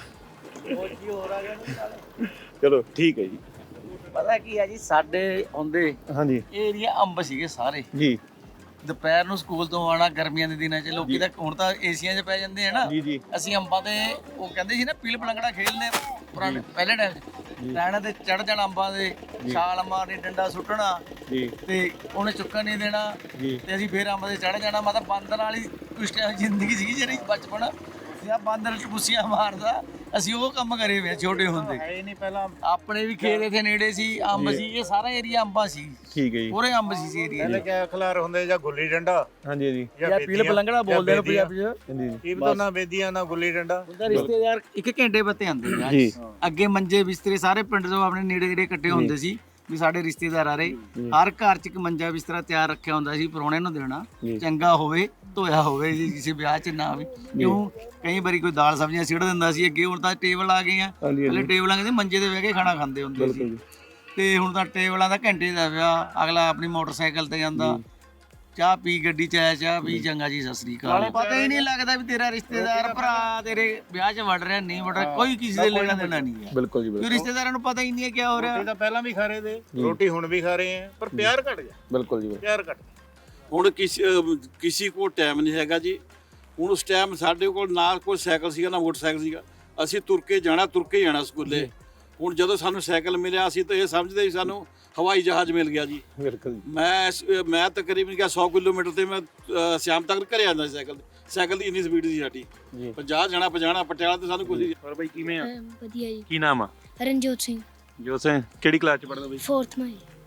Speaker 1: ਚਲੋ ਠੀਕ ਹੈ ਜੀ।
Speaker 2: ਪਤਾ ਕੀ ਹੈ ਜੀ ਸਾਡੇ ਹੁੰਦੇ
Speaker 1: ਹਾਂਜੀ
Speaker 2: ਇਹ ਏਰੀਆ ਅੰਬ ਸੀਗੇ ਸਾਰੇ
Speaker 1: ਜੀ
Speaker 2: ਦੁਪਹਿਰ ਨੂੰ ਸਕੂਲ ਤੋਂ ਆਉਣਾ ਗਰਮੀਆਂ ਦੇ ਦਿਨਾਂ 'ਚ ਲੋਕੀ ਤਾਂ ਹੁਣ ਤਾਂ ਏਸੀਆਂ 'ਚ ਪੈ ਜਾਂਦੇ ਆ ਨਾ
Speaker 1: ਜੀ ਜੀ
Speaker 2: ਅਸੀਂ ਅੰਬਾਂ ਦੇ ਉਹ ਕਹਿੰਦੇ ਸੀ ਨਾ ਪੀਲ ਪਲੰਗੜਾ ਖੇਡਦੇ ਪੁਰਾਣੇ ਪਹਿਲੇ ਟਾਈਮ 'ਚ ਰਹਿਣਾ ਤੇ ਚੜ ਜਾਣਾ ਅੰਬਾਂ ਦੇ ਛਾਲ ਮਾਰਨੀ ਡੰਡਾ ਸੁੱਟਣਾ
Speaker 1: ਜੀ
Speaker 2: ਤੇ ਉਹਨੇ ਚੁੱਕਣ ਨਹੀਂ ਦੇਣਾ
Speaker 1: ਜੀ
Speaker 2: ਤੇ ਅਸੀਂ ਫੇਰ ਅੰਬ ਦੇ ਚੜ ਜਾਣਾ ਮਤਲਬ ਬਾਂਦਰ ਵਾਲੀ ਉਸ ਟਾਈਮ ਜ਼ਿੰਦਗੀ ਸੀਗੀ ਜਿਹੜੀ ਬਚਪਨ ਜਾਂ ਬਾਂਦਰ ਟਪੂਸੀਆਂ ਮਾਰਦਾ ਅਸੀਂ ਉਹ ਕੰਮ ਕਰੇ ਹੋਏ ਆ ਛੋਟੇ ਹੁੰਦੇ ਨਹੀਂ ਪਹਿਲਾਂ ਆਪਣੇ ਵੀ ਖੇਤ ਇੱਥੇ ਨੇੜੇ ਸੀ ਅੰਬ ਸੀ ਇਹ ਸਾਰਾ ਏਰੀਆ ਅੰਬਾਂ ਸੀ
Speaker 1: ਠੀਕ ਹੈ ਜੀ।
Speaker 2: ਪੂਰੇ ਅੰਬ ਸੀ ਏਰੀਆ
Speaker 8: ਪਹਿਲੇ ਕਿਆ ਖਲਾਰ ਹੁੰਦੇ ਜਾਂ ਗੁੱਲੀ ਡੰਡਾ
Speaker 1: ਹਾਂਜੀ ਜੀ
Speaker 2: ਜਾਂ ਪੀਲ ਪਲੰਗੜਾ ਬੋਲਦੇ ਨੇ ਪੰਜਾਬੀ 'ਚ
Speaker 1: ਹਾਂਜੀ ਜੀ
Speaker 8: ਇਹ ਵੀ ਤਾਂ ਨਾ ਵੇਦੀਆਂ ਨਾ ਗੁੱਲੀ ਡੰਡਾ
Speaker 2: ਉਹਦਾ ਰਿਸ਼ਤੇਦਾਰ ਇੱਕ ਘੰਟੇ ਬੱਤੇ ਆਉਂਦੇ ਨੇ
Speaker 1: ਜੀ
Speaker 2: ਅੱਗੇ ਮੰਜੇ ਬਿਸਤਰੇ ਸਾਰੇ ਪਿੰਡ ਤੋਂ ਆਪਣੇ ਨੇੜੇ ਨੇੜੇ ਇਕੱਠੇ ਹੁੰਦੇ ਸੀ ਵੀ ਸਾਡੇ ਰਿਸ਼ਤੇਦਾਰ ਆ ਰਹੇ ਹਰ ਘਰ 'ਚ ਇੱਕ ਮੰਜਾ ਬਿਸਤਰਾ ਤਿਆਰ ਰੱਖਿਆ ਹੁੰਦਾ ਸੀ ਪਰੋਣੇ ਨੂੰ ਦੇਣਾ ਚੰਗਾ ਹੋਵੇ ਧੋਇਆ ਹੋਵੇ ਜੀ ਕਿਸੇ ਵਿਆਹ 'ਚ ਨਾ ਵੀ ਕਿਉਂ ਕਈ ਵਾਰੀ ਕੋਈ ਦਾਲ ਸਬਜ਼ੀਆਂ ਸਿੱਟ ਦਿੰਦਾ ਸੀ ਅੱਗੇ ਹੁਣ ਤਾਂ ਟੇਬਲ ਆ ਗਏ ਆ
Speaker 1: ਹਾਂਜੀ
Speaker 2: ਪਹਿਲੇ ਟੇਬਲਾਂ ਕਹਿੰਦੇ ਮੰਜੇ ਤੇ ਬਹਿ ਕੇ ਖਾਣਾ ਖਾਂਦੇ ਹੁੰਦੇ ਸੀ
Speaker 1: ਬਿਲਕੁਲ
Speaker 2: ਤੇ ਹੁਣ ਤਾਂ ਟੇਬਲਾਂ ਦਾ ਘੰਟੇ ਦਾ ਵਿਆਹ ਅਗਲਾ ਆਪਣੀ ਮੋਟਰਸਾਈਕਲ ਤੇ ਜਾਂਦਾ ਚਾਹ ਪੀ ਗੱਡੀ ਚ ਆਇਆ ਚਾਹ ਪੀ ਚੰਗਾ ਜੀ ਸਤਿ ਸ੍ਰੀ ਅਕਾਲ ਪਤਾ ਹੀ ਨਹੀਂ ਲੱਗਦਾ ਵੀ ਤੇਰਾ ਰਿਸ਼ਤੇਦਾਰ ਭਰਾ ਤੇਰੇ ਵਿਆਹ 'ਚ ਵੜ ਰਿਹਾ ਨਹੀਂ ਵੜ ਰਿਹਾ ਕੋਈ ਕਿਸੇ ਦੇ ਲੈਣਾ ਦੇਣਾ ਨਹੀਂ ਹੈ
Speaker 1: ਬਿਲਕੁਲ ਜੀ
Speaker 2: ਕਿਉਂ
Speaker 1: ਬਿਲਕੁਲ
Speaker 2: ਰਿਸ਼ਤੇਦਾਰਾਂ ਨੂੰ ਪਤਾ ਹੀ ਨਹੀਂ ਹੈ ਕੀ ਹੋ ਰਿਹਾ
Speaker 8: ਤਾਂ ਪਹਿਲਾਂ ਵੀ ਖਾ ਰਹੇ ਤੇ ਰੋਟੀ ਹੁਣ ਵੀ ਖਾ ਰਹੇ ਆ ਪਰ ਪਿਆਰ ਘਟ ਗਿਆ
Speaker 1: ਬਿਲਕੁਲ ਜੀ ਬਿਲਕੁਲ।
Speaker 8: ਪਿਆਰ ਘਟ
Speaker 3: ਹੁਣ ਕਿਸੇ ਅਹ, ਕਿਸੇ ਕੋਲ ਟਾਈਮ ਨਹੀਂ ਹੈਗਾ ਜੀ ਹੁਣ ਉਸ ਟਾਈਮ ਸਾਡੇ ਕੋਲ ਨਾ ਕੋਈ ਸਾਈਕਲ ਸੀਗਾ ਨਾ ਮੋਟਰਸਾਈਕਲ ਸੀਗਾ ਅਸੀਂ ਤੁਰ ਕੇ ਜਾਣਾ ਤੁਰ ਕੇ ਜਾਣਾ ਸਕੂਲੇ ਹੁਣ ਜਦੋਂ ਸਾਨੂੰ ਸਾਈਕਲ ਮਿਲਿਆ ਅਸੀਂ ਤਾਂ ਇਹ ਸਮਝਦੇ ਸੀ ਸਾਨੂੰ ਹਵਾਈ ਜਹਾਜ਼ ਮਿਲ ਗਿਆ ਜੀ
Speaker 1: ਬਿਲਕੁਲ ਜੀ
Speaker 3: ਮੈਂ ਸ- ਮੈਂ ਤਕਰੀਬਨ ਕਿਹਾ ਸੌ ਕਿਲੋਮੀਟਰ ਤੇ ਮੈਂ ਅਹ, ਸ਼ਾਮ ਤੱਕ ਘਰੇ ਆਉਂਦਾ ਸੀ ਸਾਈਕਲ ਤੇ ਸਾਈਕਲ ਦੀ ਇੰਨੀ ਸਪੀਡ ਸੀ ਸਾਡੀ
Speaker 1: ਜੀ
Speaker 3: ਪੰਜਾਹ ਜਾਣਾ ਪਜਾਣਾ ਪਟਿਆਲਾ ਤੇ ਸਾਨੂੰ ਕੁਝ ਨਹੀਂ
Speaker 1: ਹੋਰ ਬਾਈ ਕਿਵੇਂ ਆ?
Speaker 7: ਵਧੀਆ ਜੀ।
Speaker 1: ਕੀ ਨਾਮ ਆ?
Speaker 7: ਰਣਜੋਤ ਸਿੰਘ
Speaker 1: ਜੋਤ ਸਿੰਘ ਕਿਹੜੀ ਕਲਾਸ ਚ ਪੜ੍ਹਦਾ ਬਾਈ?
Speaker 7: ਫੋਰਥ ਮਾਈ।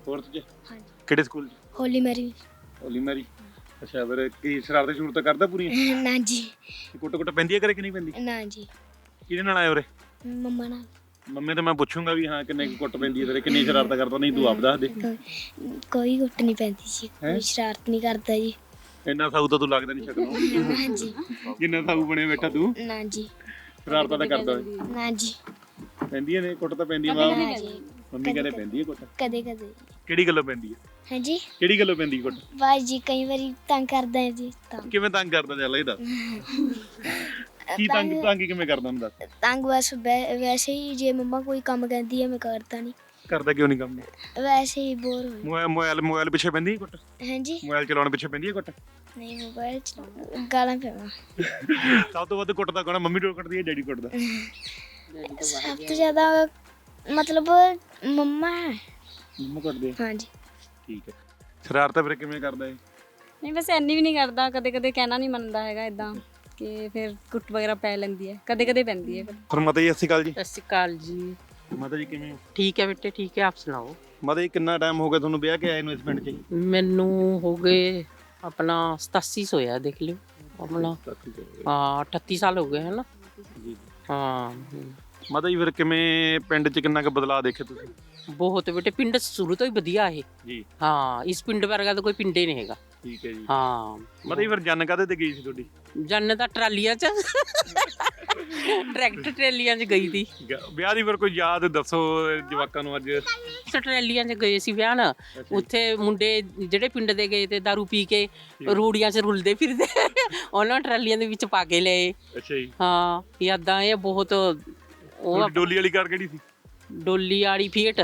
Speaker 1: ਫੋਰਥ ਚ
Speaker 7: ਹਾਂਜੀ
Speaker 1: ਕਿਹੜੇ ਸਕੂਲ ਚ?
Speaker 7: Holy Mary
Speaker 1: Holy Mary. ਅੱਛਾ ਫਿਰ ਕੀ ਸ਼ਰਾਰਤਾਂ ਸ਼ੁਰਤਾਂ ਕਰਦਾ ਪੂਰੀਆਂ?
Speaker 7: ਨਾ ਜੀ
Speaker 1: ਕੁੱਟ ਕੁੱਟ ਪੈਂਦੀ ਹੈ ਘਰੇ ਕਿ ਨਹੀਂ ਪੈਂਦੀ?
Speaker 7: ਨਾ ਜੀ
Speaker 1: ਕਿਹਦੇ ਨਾਲ ਆਏ ਉਰੇ?
Speaker 7: ਮੰਮਾ ਨਾਲ
Speaker 1: ਮੰਮੀ ਤੇ ਮੈਂ ਪੁੱਛੂੰਗਾ ਵੀ ਹਾਂ ਕਿੰਨੇ ਕੁ ਕੁੱਟ ਪੈਂਦੀ ਹੈ ਤੇਰੇ, ਕਿੰਨੀ ਸ਼ਰਾਰਤਾਂ ਕਰਦਾ? ਨਹੀਂ ਤੂੰ ਆਪ ਦੱਸ ਦੇ।
Speaker 7: ਕੋਈ- ਕੋਈ ਗੁੱਟ ਨਹੀਂ ਪੈਂਦੀ ਜੀ ਕੋਈ ਸ਼ਰਾਰਤ ਨਹੀਂ ਕਰਦਾ ਜੀ
Speaker 1: ਇੰਨਾ ਸਾਊ ਤਾਂ ਤੂੰ ਲੱਗਦਾ ਨਹੀਂ ਸ਼ਕਲੋਂ।
Speaker 7: ਨਾ ਜੀ
Speaker 1: ਜਿੰਨਾ ਸਾਊ ਬਣਿਆ ਬੈਠਾ ਤੂੰ,
Speaker 7: ਨਾ ਜੀ
Speaker 1: ਸ਼ਰਾਰਤਾਂ ਤਾਂ ਕਰਦਾ ਹੋਏ।
Speaker 7: ਨਾ ਜੀ
Speaker 1: ਪੈਂਦੀਆਂ ਨੇ ਕੁੱਟ ਤਾਂ ਪੈਂਦੀ ਮਾਂ।
Speaker 7: ਨਾ ਜੀ
Speaker 1: ਮੰਮੀ ਕਹਿੰਦੇ ਪੈਂਦੀ ਹੈ ਕੁੱਟ।
Speaker 7: ਕਦੇ ਕਦੇ
Speaker 1: ਕਿਹੜੀ ਗੱਲੋਂ ਪੈਂਦੀ ਹੈ?
Speaker 7: ਹਾਂਜੀ
Speaker 1: ਕਿਹੜੀ ਗੱਲੋਂ ਪੈਂਦੀ ਕੁੱਟ?
Speaker 7: ਬਾਈ ਜੀ ਕਈ ਵਾਰੀ ਤੰਗ ਕਰਦਾ ਹੈ ਜੀ ਤਾਂ
Speaker 1: ਕਿਵੇਂ ਤੰਗ ਕਰਦਾ ਚੱਲ ਇਹ ਦੱਸ। ਕੀ ਤੰਗ ਤੰਗ ਕਿਵੇਂ ਕਰਦਾ ਹੁੰਦਾ?
Speaker 7: ਤੰਗ ਬਸ ਵੈ- ਵੈਸੇ ਹੀ ਜੇ ਮੰਮਾ ਕੋਈ ਕੰਮ ਕਹਿੰਦੀ ਹੈ ਮੈਂ ਕਰਦਾ ਨਹੀਂ
Speaker 1: ਕਰਦਾ ਕਿਉਂ ਨਹੀਂ ਕੰਮ?
Speaker 7: ਵੈਸੇ ਹੀ ਬੋਰ ਹੋ
Speaker 1: ਮੋਬਾਈਲ ਮੋਬਾਈਲ ਮੋਬਾਈਲ ਪਿੱਛੇ ਪੈਂਦੀ ਹੈ ਕੁੱਟ?
Speaker 7: ਹਾਂਜੀ
Speaker 1: ਮੋਬਾਈਲ ਚਲਾਉਣ ਪਿੱਛੇ ਪੈਂਦੀ ਹੈ ਕੁੱਟ?
Speaker 7: ਨਹੀਂ ਮੋਬਾਈਲ ਚ ਗਾਲਾਂ ਪੈਣਾ
Speaker 1: ਸਭ ਤੋਂ ਵੱਧ ਕੁੱਟ ਦਾ ਕੌਣ? ਮੰਮੀ ਡੋਰ ਕੁੱਟਦੀ ਹੈ ਡੈਡੀ ਕੁੱਟਦਾ?
Speaker 7: ਸਭ ਤੋਂ ਜ਼ਿਆਦਾ ਮਤਲਬ ਮੰਮਾ ਹੈ
Speaker 1: ਮੰਮਾ ਕੁੱਟਦੇ ਆ।
Speaker 7: ਹਾਂਜੀ
Speaker 1: ਠੀਕ ਹੈ। ਸ਼ਰਾਰਤਾਂ ਫਿਰ ਕਿਵੇਂ ਕਰਦਾ ਇਹ?
Speaker 11: ਨਹੀਂ ਵੈਸੇ ਇੰਨੀ ਵੀ ਨਹੀਂ ਕਰਦਾ, ਕਦੇ ਕਦੇ ਕਹਿਣਾ ਨਹੀਂ ਮੰਨਦਾ ਹੈਗਾ ਇਦਾਂ ਕਿ ਫਿਰ ਕੁੱਟ ਵਗੈਰਾ ਪੈ ਲੈਂਦੀ ਹੈ, ਕਦੇ ਕਦੇ ਪੈਂਦੀ ਹੈ ਫਿਰ।
Speaker 1: ਫਿਰ ਮਾਤਾ ਜੀ ਸਤਿ ਸ਼੍ਰੀ ਅਕਾਲ ਜੀ।
Speaker 5: ਸਤਿ ਸ਼੍ਰੀ ਅਕਾਲ ਜੀ।
Speaker 1: ਮਾਤਾ ਜੀ ਕਿਵੇਂ ਹੋ?
Speaker 5: ਠੀਕ ਹੈ ਬੇਟੇ, ਠੀਕ ਹੈ, ਆਪ ਸੁਣਾਓ।
Speaker 1: ਮਾਤਾ ਜੀ ਕਿੰਨਾ ਟਾਈਮ ਹੋ ਗਿਆ ਤੁਹਾਨੂੰ ਵਿਆਹ ਕੇ ਆਏ ਨੂੰ ਇਸ ਪਿੰਡ 'ਚ?
Speaker 5: ਮੈਨੂੰ ਹੋ ਗਏ ਆਪਣਾ ਸਤਾਸੀ ਸੌ ਹੋਇਆ, ਦੇਖ ਲਿਓ ਆਪਣਾ। ਹਾਂ ਅਠੱਤੀ ਸਾਲ ਹੋ ਗਏ ਹੈ ਨਾ।
Speaker 1: ਜੀ
Speaker 5: ਹਾਂ
Speaker 1: ਮਾਤਾ ਜੀ ਫਿਰ ਕਿਵੇਂ ਪਿੰਡ 'ਚ ਕਿੰਨਾ ਕੁ ਬਦਲਾਅ ਦੇਖੇ ਤੁਸੀਂ?
Speaker 5: ਬਹੁਤ ਬੇਟੇ, ਪਿੰਡ ਸ਼ੁਰੂ ਤੋਂ ਹੀ ਵਧੀਆ ਇਹ।
Speaker 1: ਜੀ
Speaker 5: ਹਾਂ ਇਸ ਪਿੰਡ ਵਰਗਾ ਤਾਂ ਕੋਈ ਪਿੰਡ ਹੀ ਨਹੀਂ ਹੈਗਾ।
Speaker 1: ਠੀਕ ਹੈ ਜੀ।
Speaker 5: ਹਾਂ
Speaker 1: ਮਾਤਾ ਜੀ ਫਿਰ ਜਨ ਕਾਹਦੇ ਤੇ ਗਈ ਸੀ ਤੁਹਾਡੀ?
Speaker 5: ਜੰਨ ਤਾਂ ਟਰਾਲੀਆਂ 'ਚ ਟਰੈਕਟਰ ਟਰਾਲੀਆਂ 'ਚ ਗਈ ਸੀ।
Speaker 1: ਗ- ਵਿਆਹ ਦੀ ਫਿਰ ਕੋਈ ਯਾਦ ਦੱਸੋ ਜਵਾਕਾਂ ਨੂੰ ਅੱਜ।
Speaker 5: ਟਰਾਲੀਆਂ 'ਚ ਗਏ ਸੀ ਵਿਆਹ ਨਾ। ਉੱਥੇ ਮੁੰਡੇ ਜਿਹੜੇ ਪਿੰਡ ਦੇ ਗਏ ਤੇ ਦਾਰੂ ਪੀ ਕੇ ਰੂੜੀਆਂ 'ਚ ਰੁਲਦੇ ਫਿਰਦੇ ਉਹਨਾਂ ਟਰਾਲੀਆਂ ਦੇ ਵਿੱਚ ਪਾ ਕੇ ਲਏ।
Speaker 1: ਅੱਛਾ ਜੀ।
Speaker 5: ਹਾਂ ਯਾਦਾਂ ਇਹ ਬਹੁਤ। ਉਹ
Speaker 1: ਤੁਹਾਡੀ ਡੋਲੀ ਵਾਲੀ ਕਾਰ ਕਿਹੜੀ ਸੀ?
Speaker 5: ਡੋਲੀ ਵਾਲੀ ਫੀਟ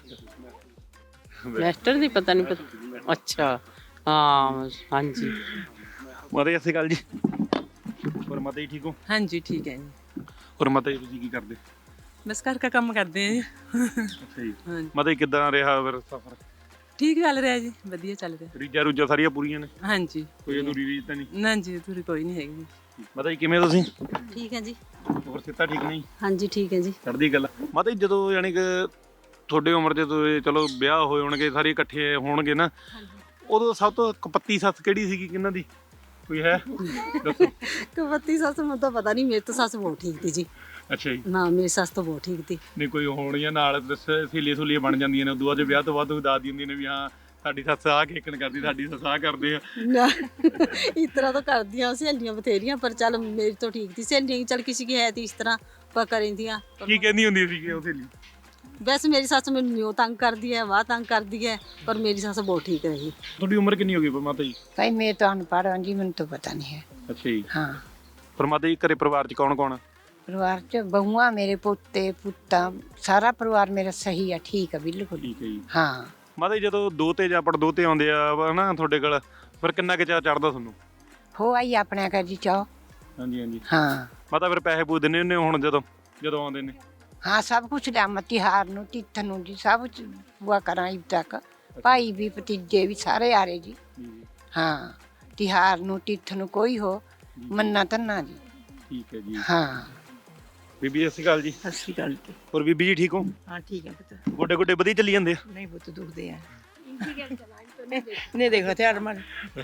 Speaker 5: ਮੈਸਟਰ ਦੀ ਪਤਾ ਨਹੀਂ ਪਤਾ। ਅੱਛਾ ਹਾਂ ਹਾਂਜੀ।
Speaker 1: ਮਾਤਾ ਜੀ ਸਤਿ ਸ਼੍ਰੀ ਅਕਾਲ ਜੀ। ਹੋਰ ਮਾਤਾ ਜੀ ਠੀਕ ਹੋ?
Speaker 12: ਹਾਂਜੀ ਠੀਕ ਹੈ ਜੀ।
Speaker 1: ਹੋਰ ਮਾਤਾ ਜੀ ਤੁਸੀਂ ਕੀ ਕਰਦੇ?
Speaker 12: ਬਸ ਘਰ ਦਾ ਕੰਮ ਕਰਦੇ ਆ ਜੀ।
Speaker 1: ਅੱਛਾ ਜੀ।
Speaker 12: ਹਾਂਜੀ
Speaker 1: ਮਾਤਾ ਜੀ ਕਿੱਦਾਂ ਰਿਹਾ ਫਿਰ ਸਫ਼ਰ?
Speaker 12: ਠੀਕ ਚੱਲ ਰਿਹਾ ਜੀ, ਵਧੀਆ ਚੱਲ ਰਿਹਾ।
Speaker 1: ਰੀਜਾਂ ਰੂਜਾਂ ਸਾਰੀਆਂ ਪੂਰੀਆਂ ਨੇ?
Speaker 12: ਹਾਂਜੀ
Speaker 1: ਕੋਈ ਅਧੂਰੀ ਰੀਜ ਤਾਂ ਨਹੀਂ?
Speaker 12: ਨਾ ਜੀ ਅਧੂਰੀ ਕੋਈ ਨਹੀਂ ਹੈਗੀ ਜੀ।
Speaker 1: ਮਾਤਾ ਜੀ ਕਿਵੇਂ ਤੁਸੀਂ?
Speaker 11: ਠੀਕ ਹੈ ਜੀ।
Speaker 1: ਹੋਰ ਸਿੱਧਾ ਠੀਕ ਨਹੀਂ?
Speaker 11: ਹਾਂਜੀ ਠੀਕ ਹੈ ਜੀ।
Speaker 1: ਚੜ੍ਹਦੀ ਗੱਲ। ਮਾਤਾ ਜੀ ਜਦੋਂ ਯਾਨੀ ਕਿ ਤੁਹਾਡੇ ਉਮਰ ਦੇ ਤੋਂ ਇਹ ਚਲੋ ਵਿਆਹ ਹੋਏ ਹੋਣਗੇ, ਸਾਰੇ ਇਕੱਠੇ ਹੋਣਗੇ ਨਾ, ਉਦੋਂ ਸਭ ਤੋਂ ਕਪੱਤੀ ਸੱਸ ਕਿਹੜੀ ਸੀਗੀ ਕਿਹਨਾਂ ਦੀ? ਕੋਈ ਹੈ ਦੱਸੋ।
Speaker 11: ਕਬੱਤੀ ਸੱਸ ਮੈਨੂੰ ਤਾਂ ਪਤਾ ਨਹੀਂ, ਮੇਰੀ ਤਾਂ ਸੱਸ ਬਹੁਤ ਠੀਕ ਸੀ ਜੀ।
Speaker 1: ਅੱਛਾ ਜੀ।
Speaker 11: ਨਾ ਮੇਰੀ ਸੱਸ ਤਾਂ ਬਹੁਤ ਠੀਕ ਸੀ।
Speaker 1: ਨਹੀਂ ਕੋਈ ਹੋਣੀਆਂ ਨਾਲ ਸਹੇਲੀਆਂ ਸੁਲੀਆਂ ਬਣ ਜਾਂਦੀਆਂ ਨੇ ਉਦੋਂ ਬਾਅਦ ਵਿਆਹ ਤੋਂ ਬਾਅਦ ਦੱਸਦੀ ਹੁੰਦੀਆਂ ਨੇ ਵੀ ਹਾਂ ਸਾਡੀ ਸੱਸ ਆਹ ਖੇਕਣ ਕਰਦੀ, ਸਾਡੀ ਸੱਸ ਆਹ ਕਰਦੇ ਆ।
Speaker 11: ਨਾ ਇਸ ਤਰ੍ਹਾਂ ਤਾਂ ਕਰਦੀਆਂ ਸਹੇਲੀਆਂ ਬਥੇਰੀਆਂ, ਪਰ ਚੱਲ ਮੇਰੀ ਤਾਂ ਠੀਕ ਸੀ ਸਹੇਲੀਆਂ। ਚੱਲ ਕਿਸੇ ਕੀ ਹੈ ਤੀ ਇਸ ਤਰ੍ਹਾਂ ਪਰ ਕਰਿੰਦੀਆਂ।
Speaker 1: ਕੀ ਕਹਿੰਦੀ ਹੁੰਦੀ ਸੀ ਉਹ ਸਹੇਲੀ?
Speaker 11: ਵੈਸੇ ਮੇਰੀ ਸੱਸ ਮੈਨੂੰ ਨਿਉ ਤੰਗ ਕਰਦੀ ਹੈ, ਵਾਹ ਤੰਗ ਕਰਦੀ ਹੈ, ਪਰ ਮੇਰੀ ਸੱਸ ਬਹੁਤ ਠੀਕ ਰਹੀ।
Speaker 1: ਤੁਹਾਡੀ ਉਮਰ ਕਿੰਨੀ ਹੋ ਗਈ ਮਾਤਾ ਜੀ?
Speaker 12: ਭਾਈ ਮੈਂ ਤਾਂ ਅਨਪੜ੍ਹ ਹਾਂ ਜੀ, ਮੈਨੂੰ ਤਾਂ ਪਤਾ ਨਹੀਂ ਹੈ।
Speaker 1: ਅੱਛਾ ਜੀ।
Speaker 12: ਹਾਂ
Speaker 1: ਪਰ ਮਾਤਾ ਜੀ ਘਰੇ ਪਰਿਵਾਰ 'ਚ ਕੌਣ ਕੌਣ ਆ?
Speaker 12: ਪਰਿਵਾਰ ਚ ਬਹੂਆਂ, ਮੇਰੇ ਪੋਤੇ ਪੁੱਤਾਂ, ਸਾਰਾ ਪਰਿਵਾਰ ਮੇਰਾ ਸਹੀ ਆ, ਠੀਕ ਆ ਬਿਲਕੁਲ।
Speaker 1: ਠੀਕ ਹੈ ਜੀ।
Speaker 12: ਹਾਂ
Speaker 1: ਮਾਤਾ ਜੀ ਜਦੋਂ ਦੋਤੇ ਜਾਂ ਪੜ ਦੋਤੇ ਆਉਂਦੇ ਆ ਵਾ ਨਾ ਤੁਹਾਡੇ ਕੋਲ, ਫਿਰ ਕਿੰਨਾ ਕੁ ਚਾਅ ਚੜਦਾ ਤੁਹਾਨੂੰ?
Speaker 12: ਹੋ ਆਈ ਆਪਣੇ ਘਰ ਜੀ ਚਾਹ।
Speaker 1: ਹਾਂਜੀ ਹਾਂਜੀ।
Speaker 12: ਹਾਂ
Speaker 1: ਮਾਤਾ ਫਿਰ ਪੈਸੇ ਪੂਸੇ ਦਿੰਦੇ ਹੁੰਦੇ ਹੋ ਹੁਣ ਜਦੋਂ ਜਦੋਂ ਆਉਂਦੇ ਨੇ?
Speaker 12: ਹਾਂ ਸਭ ਕੁਛ ਲਿਆਵਾਂ, ਤਿਉਹਾਰ ਨੂੰ ਤਿੱਥ ਨੂੰ ਜੀ ਸਭ ਕੁਛ ਬੁਆ ਕਰਾਂ ਇਬ ਤੱਕ। ਭਾਈ ਵੀ ਭਤੀਜੇ ਵੀ ਸਾਰੇ ਆ ਰਹੇ ਜੀ। ਹਾਂ ਤਿਉਹਾਰ ਨੂੰ ਤਿੱਥ ਨੂੰ ਕੋਈ ਹੋ ਮੰਨਾ ਧੰਨਾ ਜੀ।
Speaker 1: ਠੀਕ ਹੈ ਜੀ।
Speaker 12: ਹਾਂ
Speaker 1: ਬੀਬੀ ਸਤਿ ਸ਼੍ਰੀ ਅਕਾਲ ਜੀ।
Speaker 12: ਸਤਿ ਸ਼੍ਰੀ ਅਕਾਲ ਜੀ।
Speaker 1: ਹੋਰ ਬੀਬੀ ਜੀ ਠੀਕ ਹੋ?
Speaker 12: ਹਾਂ ਠੀਕ ਹੈ ਪੁੱਤ।
Speaker 1: ਗੋਡੇ ਗੋਡੇ ਵਧੀਆ ਚੱਲੀ ਜਾਂਦੇ ਆ?
Speaker 12: ਨਹੀਂ ਪੁੱਤ ਦੁਖਦੇ ਆ। ਨਹੀਂ ਦੇਖੋ ਹਥਿਆਰ ਮਾਰ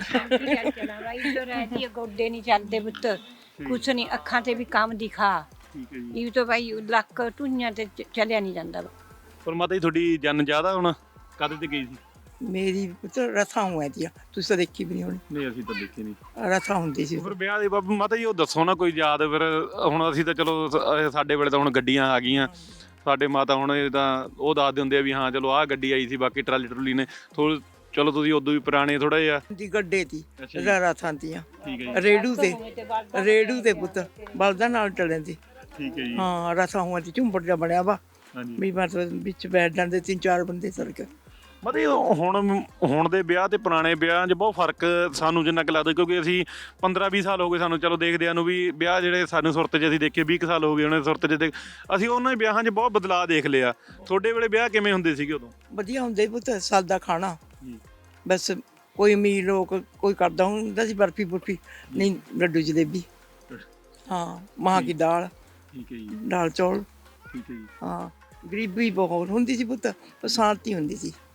Speaker 12: ਗੋਡੇ ਨਹੀਂ ਚੱਲਦੇ ਪੁੱਤ, ਕੁਛ ਨਹੀਂ, ਅੱਖਾਂ ਤੇ ਵੀ ਕੰਮ ਦਿਖਾ।
Speaker 1: ਠੀਕ ਹੈ ਜੀ।
Speaker 12: ਇਹ ਤਾਂ ਭਾਈ ਲੱਕ ਟੁੰਨਿਆਂ ਤੇ ਚ- ਚੱਲਿਆ ਨਹੀਂ ਜਾਂਦਾ।
Speaker 1: ਪਰ ਮਾਤਾ ਜੀ ਤੁਹਾਡੀ ਜਨ ਜ਼ਿਆਦਾ ਹੁਣ ਕਦ ਤੇ ਗਈ ਸੀ?
Speaker 12: ਮੇਰੀ ਪੁੱਤ ਰਥਾਂ ਹੋਇਆ ਦੀਆਂ, ਤੁਸੀਂ ਤਾਂ ਦੇਖੀ ਵੀ ਨਹੀਂ ਹੋਣੀ।
Speaker 1: ਨਹੀਂ ਅਸੀਂ ਤਾਂ ਦੇਖੀ ਨਹੀਂ।
Speaker 12: ਰਥਾਂ ਹੁੰਦੀ ਸੀ।
Speaker 1: ਫਿਰ ਵਿਆਹ ਦੇ ਬਾਬੂ ਮਾਤਾ ਜੀ ਉਹ ਦੱਸੋ ਨਾ ਕੋਈ ਯਾਦ। ਫਿਰ ਹੁਣ ਅਸੀਂ ਤਾਂ ਚਲੋ ਸ- ਸਾਡੇ ਵੇਲੇ ਤਾਂ ਹੁਣ ਗੱਡੀਆਂ ਆ ਗਈਆਂ, ਸਾਡੇ ਮਾਤਾ ਹੁਣ ਇਹ ਤਾਂ ਉਹ ਦੱਸਦੇ ਹੁੰਦੇ ਆ ਵੀ ਹਾਂ ਚਲੋ ਆਹ ਗੱਡੀ ਆਈ ਸੀ, ਬਾਕੀ ਟਰਾਲੀ ਟਰੂਲੀ ਨੇ ਥੋੜ੍ਹਾ ਚਲੋ ਤੁਸੀਂ ਉਦੋਂ ਵੀ ਪੁਰਾਣੇ ਥੋੜਾ ਜਿਹਾ।
Speaker 12: ਦੀ ਗੱਡੇ ਦੀ
Speaker 1: ਅੱਛਾ ਜੀ।
Speaker 12: ਰਥਾਂ ਦੀਆਂ
Speaker 1: ਠੀਕ ਹੈ ਜੀ।
Speaker 12: ਰੇੜੂ ਤੇ ਰੇੜੂ ਤੇ ਪੁੱਤ ਬਲਦਾਂ ਨਾਲ ਚੱਲਣ ਦੀ।
Speaker 1: ਠੀਕ ਹੈ ਜੀ।
Speaker 12: ਹਾਂ ਰਥਾਂ ਹੋਇਆ ਦੀ ਝੁੰਬੜ ਜਿਹਾ ਬਣਿਆ ਵਾ
Speaker 1: ਹਾਂਜੀ।
Speaker 12: ਵੀ ਮਤਲਬ ਵਿੱਚ ਬੈਠ ਜਾਂਦੇ ਤਿੰਨ ਚਾਰ ਬੰਦੇ ਸੜਕ।
Speaker 1: ਮਤਲਬ ਹੁਣ ਹੁਣ ਦੇ ਵਿਆਹ ਤੇ ਪੁਰਾਣੇ ਵਿਆਹਾਂ 'ਚ ਬਹੁਤ ਫਰਕ ਸਾਨੂੰ ਜਿੰਨਾ ਕੁ ਲੱਗਦਾ, ਕਿਉਂਕਿ ਅਸੀਂ ਪੰਦਰਾਂ ਵੀਹ ਸਾਲ ਹੋ ਗਏ ਸਾਨੂੰ ਚਲੋ ਦੇਖਦਿਆਂ ਨੂੰ, ਵੀ ਵਿਆਹ ਜਿਹੜੇ ਸਾਨੂੰ ਸੁਰਤ 'ਚ ਅਸੀਂ ਦੇਖੇ ਵੀਹ ਕੁ ਸਾਲ ਹੋ ਗਏ ਉਹਨੇ ਸੁਰਤ 'ਚ ਦੇਖ ਅਸੀਂ ਉਹਨਾਂ ਵਿਆਹਾਂ 'ਚ ਬਹੁਤ ਬਦਲਾਅ ਦੇਖ ਲਿਆ। ਤੁਹਾਡੇ ਵੇਲੇ ਵਿਆਹ ਕਿਵੇਂ ਹੁੰਦੇ ਸੀਗੇ ਉਦੋਂ?
Speaker 12: ਵਧੀਆ ਹੁੰਦੇ ਪੁੱਤ, ਸਾਦਾ ਖਾਣਾ
Speaker 1: ਜੀ।
Speaker 12: ਬਸ ਕੋਈ ਅਮੀਰ ਲੋਕ ਕੋਈ ਕਰਦਾ ਹੁੰਦਾ ਸੀ ਬਰਫੀ ਬੁਰਫੀ, ਨਹੀਂ ਲੱਡੂ ਜਲੇਬੀ। ਹਾਂ ਮਾਂ ਕੀ ਦਾਲ,
Speaker 1: ਠੀਕ ਹੈ ਜੀ।
Speaker 12: ਦਾਲ ਚੌਲ।
Speaker 1: ਠੀਕ ਹੈ ਜੀ।
Speaker 12: ਹਾਂ ਗਰੀਬੀ ਬਹੁਤ ਹੁੰਦੀ ਸੀ ਪੁੱਤ, ਪਰ ਸ਼ਾਂਤੀ ਹੁੰਦੀ ਸੀ।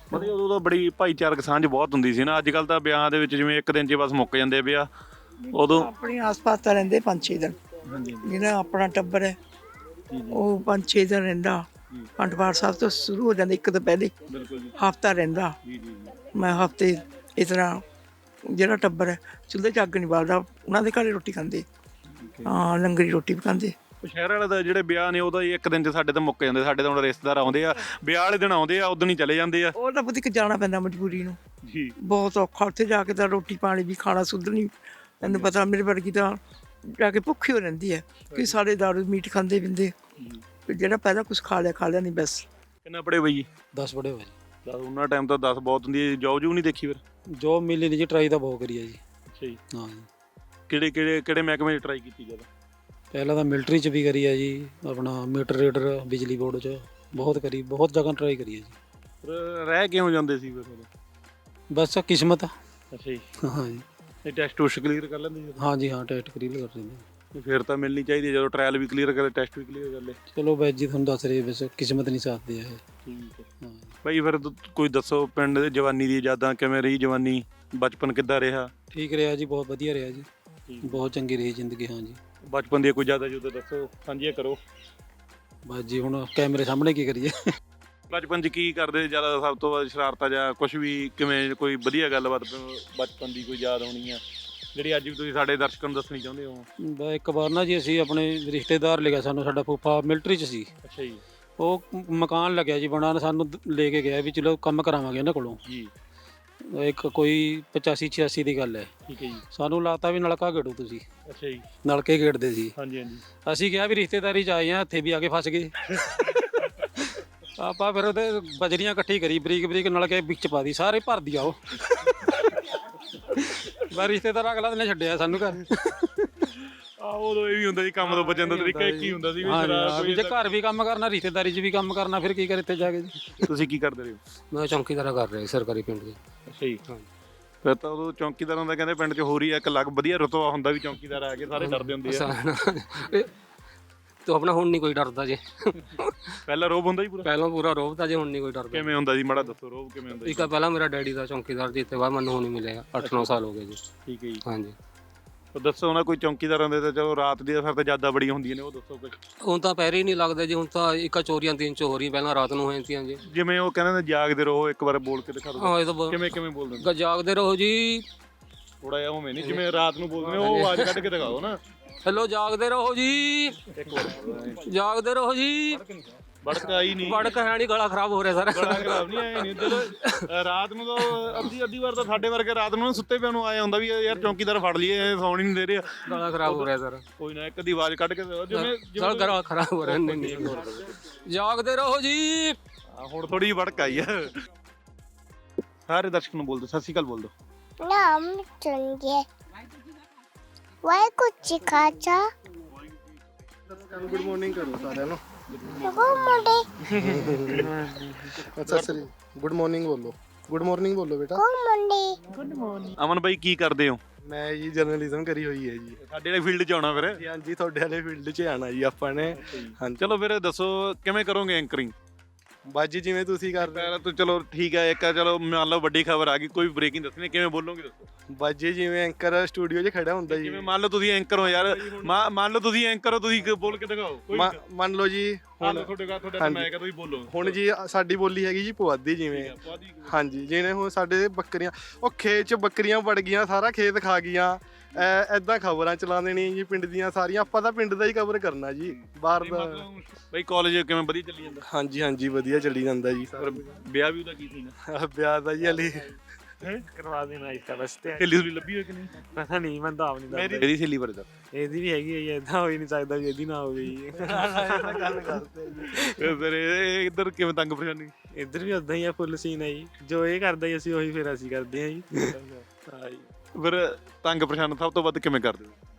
Speaker 1: ਮਤਲਬ ਉਦੋਂ ਤਾਂ ਬੜੀ ਭਾਈਚਾਰਕ ਸਾਂਝ ਬਹੁਤ ਹੁੰਦੀ ਸੀ ਨਾ। ਅੱਜ ਕੱਲ ਤਾਂ ਵਿਆਹਾਂ ਦੇ ਵਿੱਚ ਜਿਵੇਂ ਇੱਕ ਦਿਨ 'ਚ ਬਸ ਮੁੱਕ ਜਾਂਦੇ ਆ ਵਿਆਹ, ਉਦੋਂ
Speaker 13: ਆਪਣੇ ਆਸ-ਪਾਸ ਤਾਂ ਰਹਿੰਦੇ ਪੰਜ ਛੇ ਦਿਨ। ਜਿਹੜਾ ਆਪਣਾ ਟੱਬਰ ਹੈ ਉਹ ਪੰਜ ਛੇ ਦਿਨ ਰਹਿੰਦਾ। ਅਖੰਡ ਪਾਠ ਸਾਹਿਬ ਤੋਂ ਸ਼ੁਰੂ ਹੋ ਜਾਂਦਾ ਇੱਕ ਤੋਂ ਪਹਿਲੇ, ਹਫਤਾ ਰਹਿੰਦਾ। ਮੈਂ ਹਫਤੇ ਇਸ ਤਰ੍ਹਾਂ ਜਿਹੜਾ ਟੱਬਰ ਹੈ ਚੁੱਲ੍ਹੇ 'ਚ ਅੱਗ ਨਹੀਂ ਬਾਲਦਾ, ਉਹਨਾਂ ਦੇ ਘਰੇ ਰੋਟੀ ਖਾਂਦੇ। ਹਾਂ, ਲੰਗਰੀ ਰੋਟੀ ਵੀ ਖਾਂਦੇ।
Speaker 1: ਸ਼ਹਿਰ ਵਾਲੇ ਦਾ ਜਿਹੜੇ ਵਿਆਹ ਨੇ ਉਹ ਤਾਂ ਇੱਕ ਦਿਨ 'ਚ ਸਾਡੇ ਤਾਂ ਮੁੱਕ ਜਾਂਦੇ। ਸਾਡੇ ਤਾਂ ਹੁਣ ਰਿਸ਼ਤੇਦਾਰ ਆਉਂਦੇ ਆ, ਵਿਆਹ ਵਾਲੇ ਦਿਨ ਆਉਂਦੇ ਆ, ਉਦੋਂ ਹੀ ਚਲੇ ਜਾਂਦੇ ਆ।
Speaker 13: ਉਹ ਤਾਂ ਬੁੱਧੀ ਕਿ ਜਾਣਾ ਪੈਂਦਾ ਮਜਬੂਰੀ ਨੂੰ,
Speaker 1: ਜੀ
Speaker 13: ਬਹੁਤ ਔਖਾ। ਉੱਥੇ ਜਾ ਕੇ ਤਾਂ ਰੋਟੀ ਪਾਣੀ ਵੀ ਖਾਣਾ ਸੁੱਧ ਨਹੀਂ। ਤੈਨੂੰ ਪਤਾ ਮੇਰੇ ਵਰਗੀ ਤਾਂ ਜਾ ਕੇ ਭੁੱਖੀ ਹੋ ਰਹਿੰਦੀ ਹੈ ਕਿ ਸਾਰੇ ਦਾਰੂ ਮੀਟ ਖਾਂਦੇ ਪੀਂਦੇ। ਜਿਹੜਾ ਪਹਿਲਾਂ ਕੁਝ ਖਾ ਲਿਆ ਖਾ ਲਿਆ, ਨਹੀਂ ਬਸ।
Speaker 1: ਕਿੰਨਾ ਪੜੇ ਬਈ ਜੀ?
Speaker 14: ਦਸ ਪੜੇ ਹੋਏ
Speaker 1: ਦਸ ਉਹਨਾਂ ਟਾਈਮ ਤਾਂ ਦਸ ਬਹੁਤ ਹੁੰਦੀ ਹੈ। ਜੋਬ ਜੂ ਨਹੀਂ ਦੇਖੀ ਫਿਰ?
Speaker 14: ਜੋਬ ਮਿਲੀ ਨਹੀਂ ਜੀ, ਟਰਾਈ ਤਾਂ ਬਹੁਤ ਕਰੀ ਹੈ ਜੀ।
Speaker 1: ਅੱਛਾ ਜੀ।
Speaker 14: ਹਾਂ ਜੀ।
Speaker 1: ਕਿਹੜੇ ਕਿਹੜੇ ਕਿਹੜੇ ਮਹਿਕਮੇ 'ਚ ਟਰਾਈ ਕੀਤੀ ਜ਼ਿਆਦਾ?
Speaker 14: ਪਹਿਲਾਂ ਤਾਂ ਮਿਲਟਰੀ 'ਚ ਵੀ ਕਰੀ ਹੈ ਜੀ, ਆਪਣਾ ਮੀਟਰ ਰੀਡਰ ਬਿਜਲੀ ਬੋਰਡ 'ਚ ਬਹੁਤ ਕਰੀ, ਬਹੁਤ ਜਗ੍ਹਾ ਟਰਾਈ ਕਰੀ ਹੈ ਜੀ।
Speaker 1: ਫਿਰ ਰਹਿ ਕਿਉਂ ਜਾਂਦੇ ਸੀ ਫਿਰ?
Speaker 14: ਬਸ ਕਿਸਮਤ ਆ।
Speaker 1: ਅੱਛਾ ਜੀ।
Speaker 14: ਹਾਂ ਜੀ।
Speaker 1: ਇਹ ਟੈਸਟ ਟੂਸਟ ਕਲੀਅਰ ਕਰ ਲੈਂਦੇ ਜੀ?
Speaker 14: ਹਾਂ ਜੀ, ਹਾਂ ਟੈਸਟ ਕਲੀਅਰ ਕਰ ਲੈਂਦੇ।
Speaker 1: ਫਿਰ ਤਾਂ ਮਿਲਣੀ ਚਾਹੀਦੀ ਹੈ, ਜਦੋਂ ਟ੍ਰਾਇਲ ਵੀ ਕਲੀਅਰ ਕਰੇ, ਟੈਸਟ ਵੀ ਕਲੀਅਰ ਕਰ ਲੈ।
Speaker 14: ਚਲੋ ਬਾਈ ਜੀ, ਤੁਹਾਨੂੰ ਦੱਸ ਰਹੇ ਬਸ ਕਿਸਮਤ ਨਹੀਂ ਸਾਥ ਦੇ ਇਹ।
Speaker 1: ਠੀਕ ਹੈ ਬਾਈ। ਫਿਰ ਕੋਈ ਦੱਸੋ ਪਿੰਡ ਦੇ ਜਵਾਨੀ ਦੀ ਯਾਦਾਂ, ਕਿਵੇਂ ਰਹੀ ਜਵਾਨੀ, ਬਚਪਨ ਕਿੱਦਾਂ ਰਿਹਾ?
Speaker 14: ਠੀਕ ਰਿਹਾ ਜੀ, ਬਹੁਤ ਵਧੀਆ ਰਿਹਾ ਜੀ, ਬਹੁਤ ਚੰਗੀ ਰਹੀ ਜ਼ਿੰਦਗੀ। ਹਾਂ ਜੀ।
Speaker 1: ਬਚਪਨ ਦੀ ਕੋਈ ਯਾਦਾਂ ਜੁਦਾਂ ਦੱਸੋ, ਸਾਂਝੀਆਂ ਕਰੋ।
Speaker 14: ਬਸ ਜੀ, ਹੁਣ ਕੈਮਰੇ ਸਾਹਮਣੇ ਕੀ ਕਰੀਏ।
Speaker 1: ਬਚਪਨ 'ਚ ਕੀ ਕਰਦੇ ਜ਼ਿਆਦਾ, ਸਭ ਤੋਂ ਵੱਧ ਸ਼ਰਾਰਤਾਂ ਜਾਂ ਕੁਝ ਵੀ, ਕਿਵੇਂ ਕੋਈ ਵਧੀਆ ਗੱਲਬਾਤ ਬਚਪਨ ਦੀ ਕੋਈ ਯਾਦ ਹੋਣੀ ਆ ਜਿਹੜੀ ਅੱਜ ਵੀ ਤੁਸੀਂ ਸਾਡੇ ਦਰਸ਼ਕਾਂ ਨੂੰ ਦੱਸਣੀ ਚਾਹੁੰਦੇ ਹੋ?
Speaker 14: ਬਸ ਇੱਕ ਵਾਰ ਨਾ ਜੀ, ਅਸੀਂ ਆਪਣੇ ਰਿਸ਼ਤੇਦਾਰ ਲਿਆ ਸਾਨੂੰ, ਸਾਡਾ ਫੁੱਫਾ ਮਿਲਟਰੀ 'ਚ ਸੀ।
Speaker 1: ਅੱਛਾ ਜੀ।
Speaker 14: ਉਹ ਮਕਾਨ ਲੱਗਿਆ ਜੀ ਬਣਾਉਣ, ਸਾਨੂੰ ਲੈ ਕੇ ਗਿਆ ਵੀ ਚਲੋ ਕੰਮ ਕਰਾਵਾਂਗੇ ਇਹਨਾਂ ਕੋਲੋਂ
Speaker 1: ਜੀ।
Speaker 14: ਇੱਕ ਕੋਈ ਪਚਾਸੀ ਛਿਆਸੀ ਦੀ ਗੱਲ ਹੈ।
Speaker 1: ਠੀਕ ਹੈ ਜੀ।
Speaker 14: ਸਾਨੂੰ ਲੱਗਦਾ ਵੀ ਨਲਕਾ ਗੇੜੋ ਤੁਸੀਂ।
Speaker 1: ਅੱਛਾ ਜੀ।
Speaker 14: ਨਲਕੇ ਗੇੜਦੇ ਸੀ।
Speaker 1: ਹਾਂਜੀ ਹਾਂਜੀ।
Speaker 14: ਅਸੀਂ ਕਿਹਾ ਵੀ ਰਿਸ਼ਤੇਦਾਰੀ 'ਚ ਆਏ ਆ, ਇੱਥੇ ਵੀ ਆ ਕੇ ਫਸ ਗਏ। ਆਪਾਂ ਫਿਰ ਉਹਦੇ ਬਜਰੀਆਂ ਇਕੱਠੀ ਕਰੀ, ਬਰੀਕ ਬਰੀਕ ਨਲਕੇ ਵਿੱਚ ਪਾ ਦੀ, ਸਾਰੇ ਭਰ ਦਿਆ ਉਹ। ਬਸ ਰਿਸ਼ਤੇਦਾਰ ਅਗਲਾ ਦਿਨ ਛੱਡਿਆ ਸਾਨੂੰ ਘਰ।
Speaker 1: ਆਹ ਉਦੋਂ ਇਹ ਵੀ ਹੁੰਦਾ ਜੀ, ਕੰਮ ਤੋਂ ਬਚਣ ਦਾ ਤਰੀਕਾ ਇੱਕ ਹੀ ਹੁੰਦਾ ਸੀ
Speaker 14: ਵੀ ਜੇ ਘਰ ਵੀ ਕੰਮ ਕਰਨਾ, ਰਿਸ਼ਤੇਦਾਰੀ 'ਚ ਵੀ ਕੰਮ ਕਰਨਾ, ਫਿਰ ਕੀ ਕਰ ਇੱਥੇ ਜਾ ਕੇ ਜੀ।
Speaker 1: ਤੁਸੀਂ ਕੀ ਕਰਦੇ ਰਹੇ ਹੋ?
Speaker 14: ਮੈਂ ਚੌਂਕੀਦਾਰਾ ਕਰ ਰਿਹਾ ਸਰਕਾਰੀ ਪਿੰਡ ਦੇ।
Speaker 1: ਅੱਛਾ ਜੀ। ਫਿਰ ਤਾਂ ਉਦੋਂ ਚੌਂਕੀਦਾਰਾਂ ਦਾ ਕਹਿੰਦੇ ਪਿੰਡ 'ਚ ਹੋਰ ਹੀ ਇੱਕ ਅਲੱਗ ਵਧੀਆ ਰੁਤਬਾ ਹੁੰਦਾ ਵੀ ਚੌਂਕੀਦਾਰ ਆ ਕੇ ਸਾਰੇ ਡਰਦੇ ਹੁੰਦੇ ਆ।
Speaker 14: ਤੋ ਆਪਣਾ ਹੁਣ ਨਹੀਂ ਕੋਈ ਡਰਦਾ ਜੇ।
Speaker 1: ਪਹਿਲਾਂ ਰੋਬ ਹੁੰਦਾ ਜੀ ਪੂਰਾ?
Speaker 14: ਪਹਿਲਾਂ ਪੂਰਾ ਰੋਬ ਤਾਂ ਜੇ, ਹੁਣ ਨਹੀਂ ਕੋਈ ਡਰਦਾ।
Speaker 1: ਕਿਵੇਂ ਹੁੰਦਾ ਜੀ, ਮਾੜਾ ਦੱਸੋ ਰੋਬ ਕਿਵੇਂ ਹੁੰਦਾ?
Speaker 14: ਇੱਕ ਪਹਿਲਾਂ ਮੇਰਾ ਡੈਡੀ ਦਾ ਚੌਂਕੀਦਾਰ ਜੀ, ਇੱਥੇ ਬਾਅਦ ਮੈਨੂੰ ਹੁਣ ਹੀ ਮਿਲਿਆ, ਅੱਠ ਨੌ ਸਾਲ ਹੋ ਗਏ ਜੀ।
Speaker 1: ਠੀਕ ਹੈ ਜੀ।
Speaker 14: ਹਾਂਜੀ।
Speaker 1: ਦੱਸੋ ਨਾ ਕੋਈ ਚੌਂਕੀਦਾਰਾਂ ਦੇ ਤਾਂ ਚਲੋ ਰਾਤ ਦੀ ਫਿਰ ਤਾਂ ਜ਼ਿਆਦਾ ਬੜੀਆਂ ਹੁੰਦੀਆਂ ਨੇ, ਉਹ ਦੱਸੋ ਕੁਝ।
Speaker 14: ਹੁਣ ਤਾਂ ਪਹਿਰੇ ਹੀ ਨਹੀਂ ਲੱਗਦੇ ਜੀ, ਹੁਣ ਤਾਂ ਇੱਕ ਚੋਰੀਆਂ ਤਿੰਨ ਚੋਰੀਆਂ ਪਹਿਲਾਂ ਰਾਤ ਨੂੰ ਹੋ ਜਾਂਦੀਆਂ ਜੀ।
Speaker 1: ਜਿਵੇਂ ਉਹ ਕਹਿੰਦੇ ਨੇ ਜਾਗਦੇ ਰਹੋ, ਇੱਕ ਵਾਰ ਬੋਲ ਕੇ ਦਿਖਾ ਦਿਓ।
Speaker 14: ਹਾਂ, ਇਹ ਤਾਂ
Speaker 1: ਕਿਵੇਂ ਕਿਵੇਂ ਬੋਲਦੇ ਨੇ?
Speaker 14: ਜਾਗਦੇ ਰਹੋ ਜੀ।
Speaker 1: ਥੋੜਾ ਜਿਹਾ ਉਵੇਂ ਨਹੀਂ, ਜਿਵੇਂ ਰਾਤ ਨੂੰ ਬੋਲਦੇ ਨੇ ਉਹ ਆਵਾਜ਼ ਕੱਢ ਕੇ ਦਿਖਾਓ ਨਾ।
Speaker 14: ਹੈਲੋ, ਜਾਗਦੇ ਰਹੋ ਜੀ, ਜਾਗਦੇ ਰਹੋ ਜੀ।
Speaker 1: ਬੜਕ ਆਈ ਨਹੀਂ,
Speaker 14: ਬੜਕ ਹੈ ਨਹੀਂ, ਗਲਾ ਖਰਾਬ ਹੋ ਰਿਹਾ ਸਰ।
Speaker 1: ਗਲਾ ਖਰਾਬ ਨਹੀਂ ਆਇਆ ਨਹੀਂ ਜਦੋਂ ਰਾਤ ਨੂੰ ਤਾਂ ਅੱਧੀ ਅੱਧੀ ਵਾਰ ਤਾਂ ਸਾਡੇ ਵਰਗੇ ਰਾਤ ਨੂੰ ਸੁੱਤੇ ਪਿਆ ਨੂੰ ਆਇਆ ਹੁੰਦਾ ਵੀ ਯਾਰ ਚੌਂਕੀਦਾਰ ਫੜ ਲਈਏ, ਸੌਣ ਹੀ ਨਹੀਂ ਦੇ ਰਿਹਾ।
Speaker 14: ਗਲਾ ਖਰਾਬ ਹੋ ਰਿਹਾ ਸਰ।
Speaker 1: ਕੋਈ ਨਾ, ਇੱਕ ਅੱਧੀ ਆਵਾਜ਼ ਕੱਢ ਕੇ ਜਿਵੇਂ
Speaker 14: ਸਰ ਗਲਾ ਖਰਾਬ ਹੋ ਰਿਹਾ। ਨਹੀਂ, ਜਾਗਦੇ ਰਹੋ ਜੀ।
Speaker 1: ਹੁਣ ਥੋੜੀ ਜਿਹੀ ਬੜਕ ਆਈ ਆ। ਸਾਰੇ ਦਰਸ਼ਕ ਨੂੰ ਬੋਲ ਦਿਓ, ਸਤਿ ਸ਼੍ਰੀ ਅਕਾਲ ਬੋਲ ਦਿਓ।
Speaker 7: ਨਾਮ ਚੰਗੇ ਵਾਹਿਗੁਰੂ ਜੀ ਕਾ ਖਾਲਸਾ।
Speaker 8: ਗੁੱਡ ਮਾਰਨਿੰਗ ਕਰੋ ਸਾਰਿਆਂ ਨੂੰ।
Speaker 7: Good morning.
Speaker 8: ਅੱਛਾ ਸਰੀ, ਗੁੱਡ ਮਾਰਨਿੰਗ ਬੋਲੋ। ਗੁੱਡ ਮਾਰਨਿੰਗ ਬੋਲੋ ਬੇਟਾ।
Speaker 7: Good morning. Good morning.
Speaker 1: Aman ਬਾਈ ਕੀ ਕਰਦੇ ਹੋ?
Speaker 8: ਮੈਂ ਜੀ ਜਰਨਲਿਜ਼ਮ ਕਰੀ ਹੋਈ ਹੈ ਜੀ।
Speaker 1: ਸਾਡੇ ਵਾਲੇ ਫੀਲਡ 'ਚ ਆਉਣਾ ਫਿਰ?
Speaker 8: ਹਾਂਜੀ, ਤੁਹਾਡੇ ਵਾਲੇ ਫੀਲਡ 'ਚ ਆਉਣਾ ਜੀ ਆਪਾਂ ਨੇ। ਹਾਂਜੀ,
Speaker 1: ਚਲੋ ਫਿਰ ਦੱਸੋ ਕਿਵੇਂ ਕਰੋਗੇ ਐਂਕਰਿੰਗ?
Speaker 8: ਬਾਜੀ ਜਿਵੇਂ ਤੁਸੀਂ ਕਰਦੇ।
Speaker 1: ਪਹਿਲਾਂ ਤਾਂ ਚਲੋ ਠੀਕ ਹੈ, ਇੱਕ ਚਲੋ ਮੰਨ ਲਓ ਵੱਡੀ ਖਬਰ ਆ ਗਈ, ਕੋਈ ਬ੍ਰੇਕਿੰਗ ਦੱਸਣੀ, ਕਿਵੇਂ ਬੋਲੋਗੇ ਦੱਸੋ?
Speaker 8: ਬਾਜੀ ਜਿਵੇਂ ਐਂਕਰ ਸਟੂਡੀਓ 'ਚ ਖੜਾ ਹੁੰਦਾ ਜੀ।
Speaker 1: ਜਿਵੇਂ ਮੰਨ ਲਓ ਤੁਸੀਂ ਐਂਕਰ ਹੋ ਯਾਰ, ਮੰਨ ਲਓ ਤੁਸੀਂ ਐਂਕਰ ਹੋ, ਤੁਸੀਂ ਬੋਲ ਕੇ ਦਿਖਾਓ।
Speaker 8: ਮੰਨ ਲਓ ਜੀ
Speaker 1: ਹੁਣ ਤੁਹਾਡੇ ਕਾ ਤੁਹਾਡਾ ਮੈਂ ਕਹਾਂ ਤੁਸੀਂ ਬੋਲੋ।
Speaker 8: ਹੁਣ ਜੀ ਸਾਡੀ ਬੋਲੀ ਹੈਗੀ ਜੀ ਪੁਆਧੀ। ਜਿਵੇਂ ਹਾਂਜੀ, ਜਿਵੇਂ ਹੁਣ ਸਾਡੇ ਬੱਕਰੀਆਂ, ਉਹ ਖੇਤ 'ਚ ਬੱਕਰੀਆਂ ਵੜ ਗਈਆਂ, ਸਾਰਾ ਖੇਤ ਖਾ ਗਈਆਂ, ਐਦਾਂ ਖਬਰਾਂ ਚਲਾ ਦੇਣੀਆਂ ਜੀ ਪਿੰਡ ਦੀਆਂ ਸਾਰੀਆਂ। ਆਪਾਂ ਤਾਂ ਪਿੰਡ ਦਾ ਹੀ ਕਵਰ ਕਰਨਾ ਜੀ, ਬਾਹਰ ਦਾ।
Speaker 1: ਬਈ ਕਾਲਜ ਕਿਵੇਂ ਵਧੀਆ ਚੱਲੀ ਜਾਂਦਾ?
Speaker 8: ਹਾਂਜੀ ਹਾਂਜੀ, ਵਧੀਆ ਚੱਲੀ ਜਾਂਦਾ ਜੀ।
Speaker 1: ਵਿਆਹ ਵੀ ਉਹਦਾ ਕੀ ਸੀ ਨਾ?
Speaker 8: ਵਿਆਹ ਦਾ ਜੀ ਹਲੇ
Speaker 4: ਕਰਵਾ ਦੇਣਾ ਇਸ ਵਾਸਤੇ।
Speaker 1: ਸਹੇਲੀ ਸੁਲੀ ਲੱਭੀ ਹੋਈ ਕਿ ਨਹੀਂ?
Speaker 4: ਪਤਾ ਨਹੀਂ, ਮੈਂ ਤਾਂ ਆਪ ਨਹੀਂ ਦੱਸਦਾ।
Speaker 1: ਮੇਰੀ ਸਹੇਲੀ ਬਾਰੇ ਦੱਸ।
Speaker 4: ਇਹਦੀ ਵੀ ਹੈਗੀ ਹੈ, ਏਦਾਂ ਹੋ ਹੀ ਨਹੀਂ ਸਕਦਾ ਵੀ ਇਹਦੀ ਨਾ ਹੋਵੇ ਜੀ।
Speaker 8: ਗੱਲ ਕਰਦੇ ਜੀ।
Speaker 1: ਫਿਰ ਇਹ ਇੱਧਰ ਕਿਵੇਂ ਤੰਗ ਪਰੇਸ਼ਾਨੀ?
Speaker 4: ਇੱਧਰ ਵੀ ਉਦਾਂ ਹੀ ਆ, ਫੁੱਲ ਸੀਨ ਹੈ ਜੀ। ਜੋ ਇਹ ਕਰਦਾ ਜੀ ਅਸੀਂ ਉਹੀ ਫਿਰ ਅਸੀਂ ਕਰਦੇ ਹਾਂ ਜੀ।
Speaker 1: ਫਿਰ ਤੰਗ ਪਰੇਸ਼ਾਨ ਸਭ ਤੋਂ ਵੱਧ ਕਿਵੇਂ ਕਰਦੇ ਹੋ?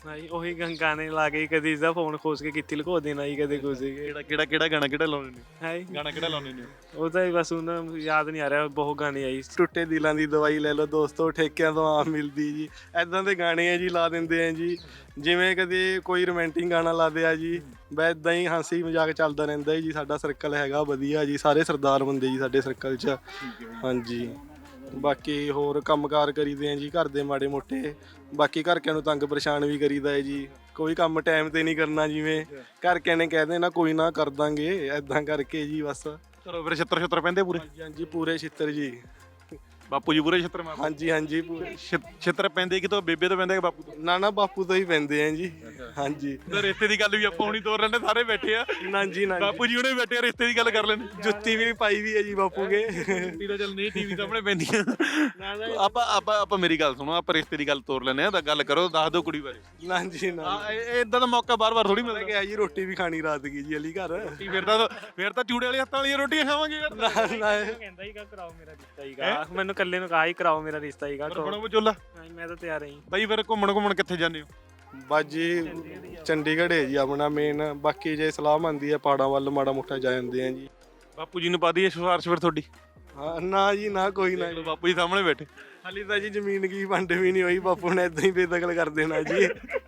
Speaker 4: ਭਾਈ ਉਹੀ ਗਾ- ਗਾਣੇ ਲਾ ਕੇ ਕਦੀ ਇਸਦਾ ਫੋਨ ਖੋਸ ਕੇ ਕਿੱਥੇ ਲੁਕੋ ਦੇਣਾ ਜੀ, ਕਦੇ ਕੁਝ
Speaker 1: ਕਿਹੜਾ ਕਿਹੜਾ ਕਿਹੜਾ ਗਾਣਾ ਕਿਹੜਾ ਲਾਉਂਦੇ ਨੇ
Speaker 4: ਹੈ
Speaker 1: ਗਾਣਾ ਕਿਹੜਾ ਲਾਉਂਦੇ ਨੇ
Speaker 4: ਉਹ ਤਾਂ ਹੀ ਬਸ ਉਹਨਾਂ ਨੂੰ ਯਾਦ ਨਹੀਂ ਆ ਰਿਹਾ, ਬਹੁਤ ਗਾਣੇ ਆਈ।
Speaker 8: ਟੁੱਟੇ ਦਿਲਾਂ ਦੀ ਦਵਾਈ ਲੈ ਲਓ ਦੋਸਤੋ, ਠੇਕਿਆਂ ਤੋਂ ਆਮ ਮਿਲਦੀ ਜੀ, ਐਦਾਂ ਦੇ ਗਾਣੇ ਆ ਜੀ ਲਾ ਦਿੰਦੇ ਆ ਜੀ। ਜਿਵੇਂ ਕਦੇ ਕੋਈ ਰੋਮਾਂਟਿਕ ਗਾਣਾ ਲਾਦੇ ਆ ਜੀ, ਬਸ ਇੱਦਾਂ ਹੀ ਹਾਸੀ ਮਜ਼ਾਕ ਚੱਲਦਾ ਰਹਿੰਦਾ ਜੀ। ਸਾਡਾ ਸਰਕਲ ਹੈਗਾ ਵਧੀਆ ਜੀ, ਸਾਰੇ ਸਰਦਾਰ ਬੰਦੇ ਜੀ ਸਾਡੇ ਸਰਕਲ 'ਚ। ਹਾਂਜੀ ਬਾਕੀ ਹੋਰ ਕੰਮਕਾਰ ਕਰੀਦੇ ਆ ਜੀ ਘਰ ਦੇ ਮਾੜੇ ਮੋਟੇ, ਬਾਕੀ ਘਰਕਿਆਂ ਨੂੰ ਤੰਗ ਪਰੇਸ਼ਾਨ ਵੀ ਕਰੀਦਾ ਹੈ ਜੀ। ਕੋਈ ਕੰਮ ਟਾਈਮ ਤੇ ਨਹੀਂ ਕਰਨਾ, ਜਿਵੇਂ ਘਰਕਿਆਂ ਨੇ ਕਹਿ ਦੇਣਾ ਕੋਈ ਨਾ ਕਰ ਦਾਂਗੇ, ਐਦਾਂ ਕਰਕੇ ਜੀ ਬਸ।
Speaker 1: ਚਲੋ ਫਿਰ ਛਿੱਤਰ ਛਿੱਤਰ ਪੈਂਦੇ ਪੂਰੇ?
Speaker 8: ਹਾਂਜੀ ਹਾਂਜੀ ਪੂਰੇ ਛਿੱਤਰ ਜੀ,
Speaker 1: ਬਾਪੂ ਜੀ ਪੂਰੇ ਛਿੱਤਰ ਮਾਰਦੇ?
Speaker 8: ਹਾਂਜੀ ਹਾਂਜੀ ਪੂਰੇ
Speaker 1: ਛਿੱਤਰ ਪੈਂਦੇ ਕਿਤੋਂ ਬੇਬੇ ਤੋਂ ਪੈਂਦੇ ਕਿ ਬਾਪੂ ਤੋਂ?
Speaker 8: ਨਾ ਨਾ ਬਾਪੂ ਤੋਂ ਹੀ ਪੈਂਦੇ ਆ ਜੀ। ਹਾਂਜੀ
Speaker 1: ਰਿਸ਼ਤੇ ਦੀ ਗੱਲ ਵੀ ਆਪਾਂ ਹੁਣੀ ਤੋਰ ਲੈਂਦੇ, ਸਾਰੇ ਬੈਠੇ ਆ।
Speaker 8: ਨਾ ਜੀ ਨਾ
Speaker 1: ਬਾਪੂ ਜੀ ਹੁਣੇ ਬੈਠੇ ਆ, ਰਿਸ਼ਤੇ ਦੀ ਗੱਲ ਕਰ ਲੈਂਦੇ।
Speaker 8: ਜੁੱਤੀ ਵੀ ਪਾਈ ਵੀ ਹੈ ਜੀ ਬਾਪੂ ਕੇ।
Speaker 1: ਜੁੱਤੀ ਤਾਂ ਚੱਲ ਨਹੀਂ ਟੀਵੀ ਸਾਹਮਣੇ ਪੈਂਦੀਆਂ। ਆਪਾਂ ਆਪਾਂ ਆਪਾਂ ਮੇਰੀ ਗੱਲ ਸੁਣੋ, ਆਪਾਂ ਰਿਸ਼ਤੇ ਦੀ ਗੱਲ ਤੋਰ ਲੈਂਦੇ ਆ, ਤਾਂ ਗੱਲ ਕਰੋ, ਦੱਸ ਦਿਓ ਕੁੜੀ ਬਾਰੇ।
Speaker 8: ਨਾ ਜੀ ਨਾ
Speaker 1: ਇਦਾਂ ਦਾ ਮੌਕਾ ਬਾਰ-ਬਾਰ ਥੋੜੀ ਮਿਲਦਾ।
Speaker 8: ਕਿਹਾ ਜੀ ਰੋਟੀ ਵੀ ਖਾਣੀ ਰਾਤ ਕੀ ਜੀ ਅਲੀ ਘਰ।
Speaker 1: ਫਿਰ ਤਾਂ ਫਿਰ ਤਾਂ ਚੂੜੇ ਵਾਲੇ ਹੱਥਾਂ ਵਾਲੀਆਂ ਰੋਟੀਆਂ ਖਾਵਾਂਗੇ ਯਾਰ।
Speaker 8: ਨਾ ਨਾ
Speaker 4: ਕਹਿੰਦਾ ਹੀਗਾ ਕਰਾਓ ਮੇਰਾ ਰਿਸ਼ਤਾ ਹੀਗਾ, ਮੈਨੂੰ ਇਕੱਲੇ ਨੂੰ ਕਹਾ ਹੀ ਕਰਾਓ ਮੇਰਾ ਰਿਸ਼ਤਾ ਹੀਗਾ।
Speaker 1: ਬਣੋ ਵਿਚੋਲਾ?
Speaker 4: ਮੈਂ ਤਾਂ ਤਿਆਰ ਹਾਂ
Speaker 1: ਬਾਈ। ਫਿਰ ਘੁੰਮਣ ਘੁੰਮਣ ਕਿੱਥੇ ਜਾਂਦੇ ਹੋ?
Speaker 8: ਬਾਜੀ ਚੰਡੀਗੜ੍ਹ ਹੈ ਜੀ ਆਪਣਾ ਮੇਨ, ਬਾਕੀ ਜੇ ਸਲਾਹ ਮੰਨਦੀ ਹੈ ਪਹਾੜਾਂ ਵੱਲ ਮਾੜਾ ਮੋਟਾ ਜਾ ਜਾਂਦੇ ਆ ਜੀ।
Speaker 1: ਬਾਪੂ ਜੀ ਨੂੰ ਪਾ ਦਈਏ ਸਿਫਾਰਿਸ਼ ਫਿਰ ਤੁਹਾਡੀ?
Speaker 8: ਹਾਂ ਨਾ ਜੀ ਨਾ ਕੋਈ ਨਾ,
Speaker 1: ਬਾਪੂ ਜੀ ਸਾਹਮਣੇ ਬੈਠੇ।
Speaker 8: ਹਾਲੀ ਤਾਂ ਜੀ ਜ਼ਮੀਨ ਕੀ ਵੰਡ ਵੀ ਨਹੀਂ ਹੋਈ, ਬਾਪੂ ਨੇ ਇਦਾਂ ਹੀ ਬੇਦਖਲ ਕਰ ਦੇਣਾ ਜੀ।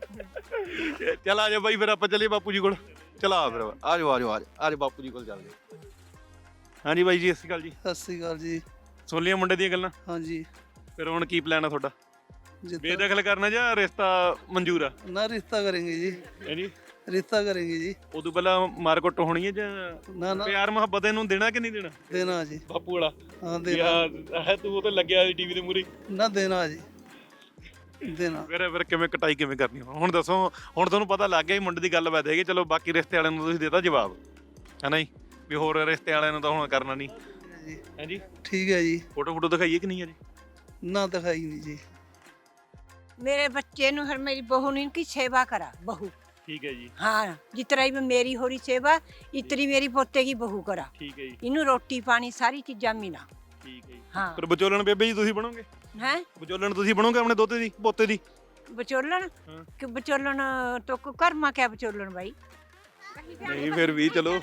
Speaker 1: ਚੱਲ ਆ ਜਾ ਬਾਈ, ਫਿਰ ਆਪਾਂ ਚੱਲੀਏ ਬਾਪੂ ਜੀ ਕੋਲ। ਚਲਾ ਫਿਰ ਆ ਜਾਓ ਆ ਜਾਓ ਆ ਜਾਓ ਬਾਪੂ ਜੀ ਕੋਲ ਚੱਲਦੇ। ਹਾਂਜੀ ਬਾਈ ਜੀ, ਸਤਿ ਸ਼੍ਰੀ ਅਕਾਲ ਜੀ।
Speaker 15: ਸਤਿ ਸ਼੍ਰੀ ਅਕਾਲ ਜੀ।
Speaker 1: ਸੁਣ ਲਿਆ ਮੁੰਡੇ ਦੀਆਂ ਗੱਲਾਂ?
Speaker 15: ਹਾਂਜੀ।
Speaker 1: ਫਿਰ ਹੁਣ ਕੀ ਪਲਾਨ ਆ ਤੁਹਾਡਾ? ਬੇਦਖਲ ਕਰਨਾ ਜਾਂ ਰਿਸ਼ਤਾ ਮਨਜ਼ੂਰ ਆ?
Speaker 15: ਨਾ ਰਿਸ਼ਤਾ ਕरेंगे ਜੀ।
Speaker 1: ਹਾਂਜੀ
Speaker 15: ਰਿਸ਼ਤਾ ਕरेंगे ਜੀ।
Speaker 1: ਉਦੋਂ ਪਹਿਲਾਂ ਮਾਰ ਕੁੱਟ ਹੋਣੀ ਹੈ ਜਾਂ
Speaker 15: ਨਾ ਨਾ
Speaker 1: ਪਿਆਰ ਮੁਹੱਬਤ ਇਹਨੂੰ ਦੇਣਾ ਕਿ ਨਹੀਂ ਦੇਣਾ?
Speaker 15: ਦੇਣਾ ਜੀ।
Speaker 1: ਬਾਪੂ ਵਾਲਾ?
Speaker 15: ਹਾਂ ਦੇਣਾ।
Speaker 1: ਯਾਰ ਤੂੰ ਉਹ ਤੇ ਲੱਗਿਆ ਟੀਵੀ ਦੇ ਮੂਹਰੇ।
Speaker 15: ਨਾ ਦੇਣਾ ਜੀ, ਦੇਣਾ।
Speaker 1: ਫਿਰ ਫਿਰ ਕਿਵੇਂ ਕਟਾਈ ਕਿਵੇਂ ਕਰਨੀ ਹੁਣ ਦੱਸੋ? ਹੁਣ ਤੁਹਾਨੂੰ ਪਤਾ ਲੱਗ ਗਿਆ ਮੁੰਡੇ ਦੀ ਗੱਲ ਬਾਤ ਹੈਗੀ। ਚਲੋ ਬਾਕੀ ਰਿਸ਼ਤੇ ਵਾਲਿਆਂ ਨੂੰ ਤੁਸੀਂ ਦੇਤਾ ਜਵਾਬ, ਹੈ ਨਾ ਜੀ, ਵੀ ਹੋਰ ਰਿਸ਼ਤੇ ਵਾਲਿਆਂ ਨੂੰ ਤਾਂ ਹੁਣ ਕਰਨਾ ਨਹੀਂ ਹੈ ਜੀ।
Speaker 15: ਠੀਕ ਹੈ ਜੀ।
Speaker 1: ਫੋਟੋ ਫੋਟੋ ਦਿਖਾਈਏ ਕਿ ਨਹੀਂ ਅਜੇ?
Speaker 15: ना दिखाई नहीं जी।
Speaker 12: मेरे बच्चे नु हर मेरी बहू ने इनकी सेवा करा, बहू।
Speaker 1: ठीक है जी।
Speaker 12: हाँ, जितना भी मेरी हो रही सेवा इतनी मेरी पोते की बहू करा।
Speaker 1: ठीक है जी।
Speaker 12: इन्हू रोटी पानी सारी चीजा मिला।
Speaker 1: ठीक है जी।
Speaker 12: हाँ।
Speaker 1: पर विचोलन बेबे जी ਤੁਸੀਂ ਬਣੋਗੇ?
Speaker 12: हैं?
Speaker 1: विचोलन ਤੁਸੀਂ ਬਣੋਗੇ ਆਪਣੇ ਦੋਤੇ ਦੀ ਪੋਤੇ ਦੀ?
Speaker 12: विचोलन? कि विचोलन तो कर्मा क्या विचोलन भाई?
Speaker 1: नहीं फिर भी चलो।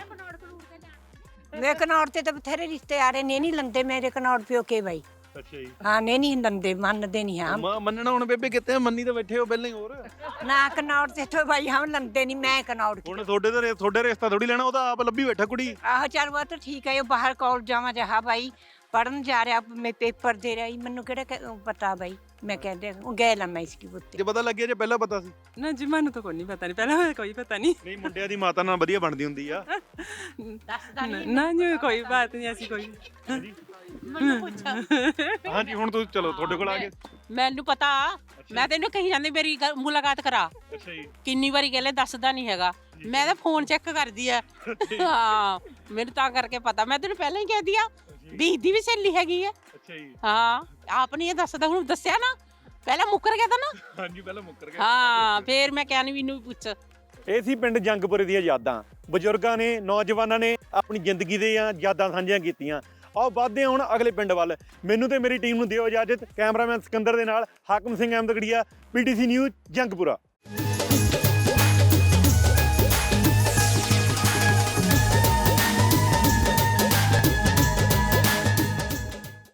Speaker 12: मैं कनौर ते तो बथेरे रिश्ते आ रहे ने नहीं लंदे मेरे कनौर प्यो के भाई।
Speaker 1: ਅੱਛਾ ਜੀ।
Speaker 12: हाँ ने नहीं लंदे मानते नहीं हम।
Speaker 1: ਮਾਂ ਮੰਨਣਾ ਹੁਣ ਬੇਬੇ ਕਿਤੇ ਮੰਨੀ ਤਾਂ ਬੈਠੇ ਹੋ ਪਹਿਲਾਂ ਹੀ ਹੋਰ।
Speaker 12: ना कनौर ते तो भाई हम लंदे नहीं, मैं कनौर की।
Speaker 1: ਹੁਣ ਤੁਹਾਡੇ ਤੇ ਤੁਹਾਡੇ ਰਿਸ਼ਤਾ ਥੋੜੀ ਲੈਣਾ, ਉਹਦਾ ਆਪ ਲੱਭੀ ਬੈਠਾ ਕੁੜੀ।
Speaker 12: आहो चल वो तो ठीक है, बाहर कॉलेज जावा जहा भाई पढ़न जा रहा, मैं पेपर दे रहा, मैनू केड़ा पता भाई, मैं कह दे गए ला मैं इसकी बुत्ते।
Speaker 1: ਜੇ ਪਤਾ ਲੱਗਿਆ ਜੇ ਪਹਿਲਾਂ ਪਤਾ ਸੀ?
Speaker 5: ਨਾ ਜੀ ਮੈਨੂੰ ਤਾਂ ਕੋਈ ਨਹੀਂ ਪਤਾ, ਨਹੀਂ ਪਹਿਲਾਂ ਹੋਇਆ ਕੋਈ ਪਤਾ ਨਹੀਂ।
Speaker 1: ਨਹੀਂ ਮੁੰਡਿਆਂ ਦੀ ਮਾਤਾ ਨਾਲ ਵਧੀਆ ਬਣਦੀ ਹੁੰਦੀ ਆ।
Speaker 5: ਨਾ ਜੀ ਕੋਈ ਬਾਤ ਨਹੀਂ ਐਸੀ ਕੋਈ।
Speaker 1: ਹਾਂਜੀ ਹੁਣ ਤੁਸੀਂ ਚਲੋ ਤੁਹਾਡੇ ਕੋਲ ਆ ਗਏ।
Speaker 5: ਮੈਨੂੰ ਪਤਾ, ਮੈਂ ਤੈਨੂੰ ਕਹੀ ਜਾਂਦੀ ਮੇਰੀ ਗੱਲ- ਮੁਲਾਕਾਤ ਕਰਾ।
Speaker 1: ਅੱਛਾ ਜੀ।
Speaker 5: ਕਿੰਨੀ ਵਾਰੀ ਕਹਿੰਦੇ ਦੱਸਦਾ ਨਹੀਂ ਹੈਗਾ, ਮੈਂ ਤਾਂ ਫੋਨ ਚੈੱਕ ਕਰਦੀ ਆ। ਹਾਂ ਮੈਨੂੰ ਤਾਂ ਕਰਕੇ ਪਤਾ, ਮੈਂ ਤੈਨੂੰ ਪਹਿਲਾਂ ਹੀ ਕਹਿ ਦਿਆ ਵੀ ਦੀ ਵੀ ਸਹੇਲੀ ਹੈਗੀ ਆ।
Speaker 1: ਅੱਛਾ ਜੀ।
Speaker 5: ਹਾਂ ਆਪ ਨਹੀਂ ਇਹ ਦੱਸਦਾ, ਹੁਣ ਦੱਸਿਆ ਨਾ, ਪਹਿਲਾਂ ਮੁੱਕਰ ਗਿਆ ਤਾਂ ਨਾ।
Speaker 1: ਹਾਂਜੀ ਪਹਿਲਾਂ ਮੁੱਕਰ ਗਿਆ।
Speaker 5: ਹਾਂ ਫੇਰ ਮੈਂ ਕਹਿ ਨਹੀਂ ਵੀ ਇਹਨੂੰ ਪੁੱਛ।
Speaker 1: ਇਹ ਸੀ ਪਿੰਡ ਜੰਗਪੁਰੇ ਦੀਆਂ ਯਾਦਾਂ। ਬਜ਼ੁਰਗਾਂ ਨੇ, ਨੌਜਵਾਨਾਂ ਨੇ ਆਪਣੀ ਜ਼ਿੰਦਗੀ ਦੀਆਂ ਯਾਦਾਂ ਸਾਂਝੀਆਂ ਕੀਤੀਆਂ। ਆਓ ਵੱਧਦੇ ਹਾਂ ਹੁਣ ਅਗਲੇ ਪਿੰਡ ਵੱਲ। ਮੈਨੂੰ ਤੇ ਮੇਰੀ ਟੀਮ ਨੂੰ ਦਿਓ ਇਜਾਜ਼ਤ। ਕੈਮਰਾਮੈਨ ਸਿਕੰਦਰ ਦੇ ਨਾਲ ਹਾਕਮ ਸਿੰਘ ਅਹਿਮਦਗੜੀਆ, ਪੀਟੀਸੀ ਨਿਊਜ਼ ਜੰਗਪੁਰਾ।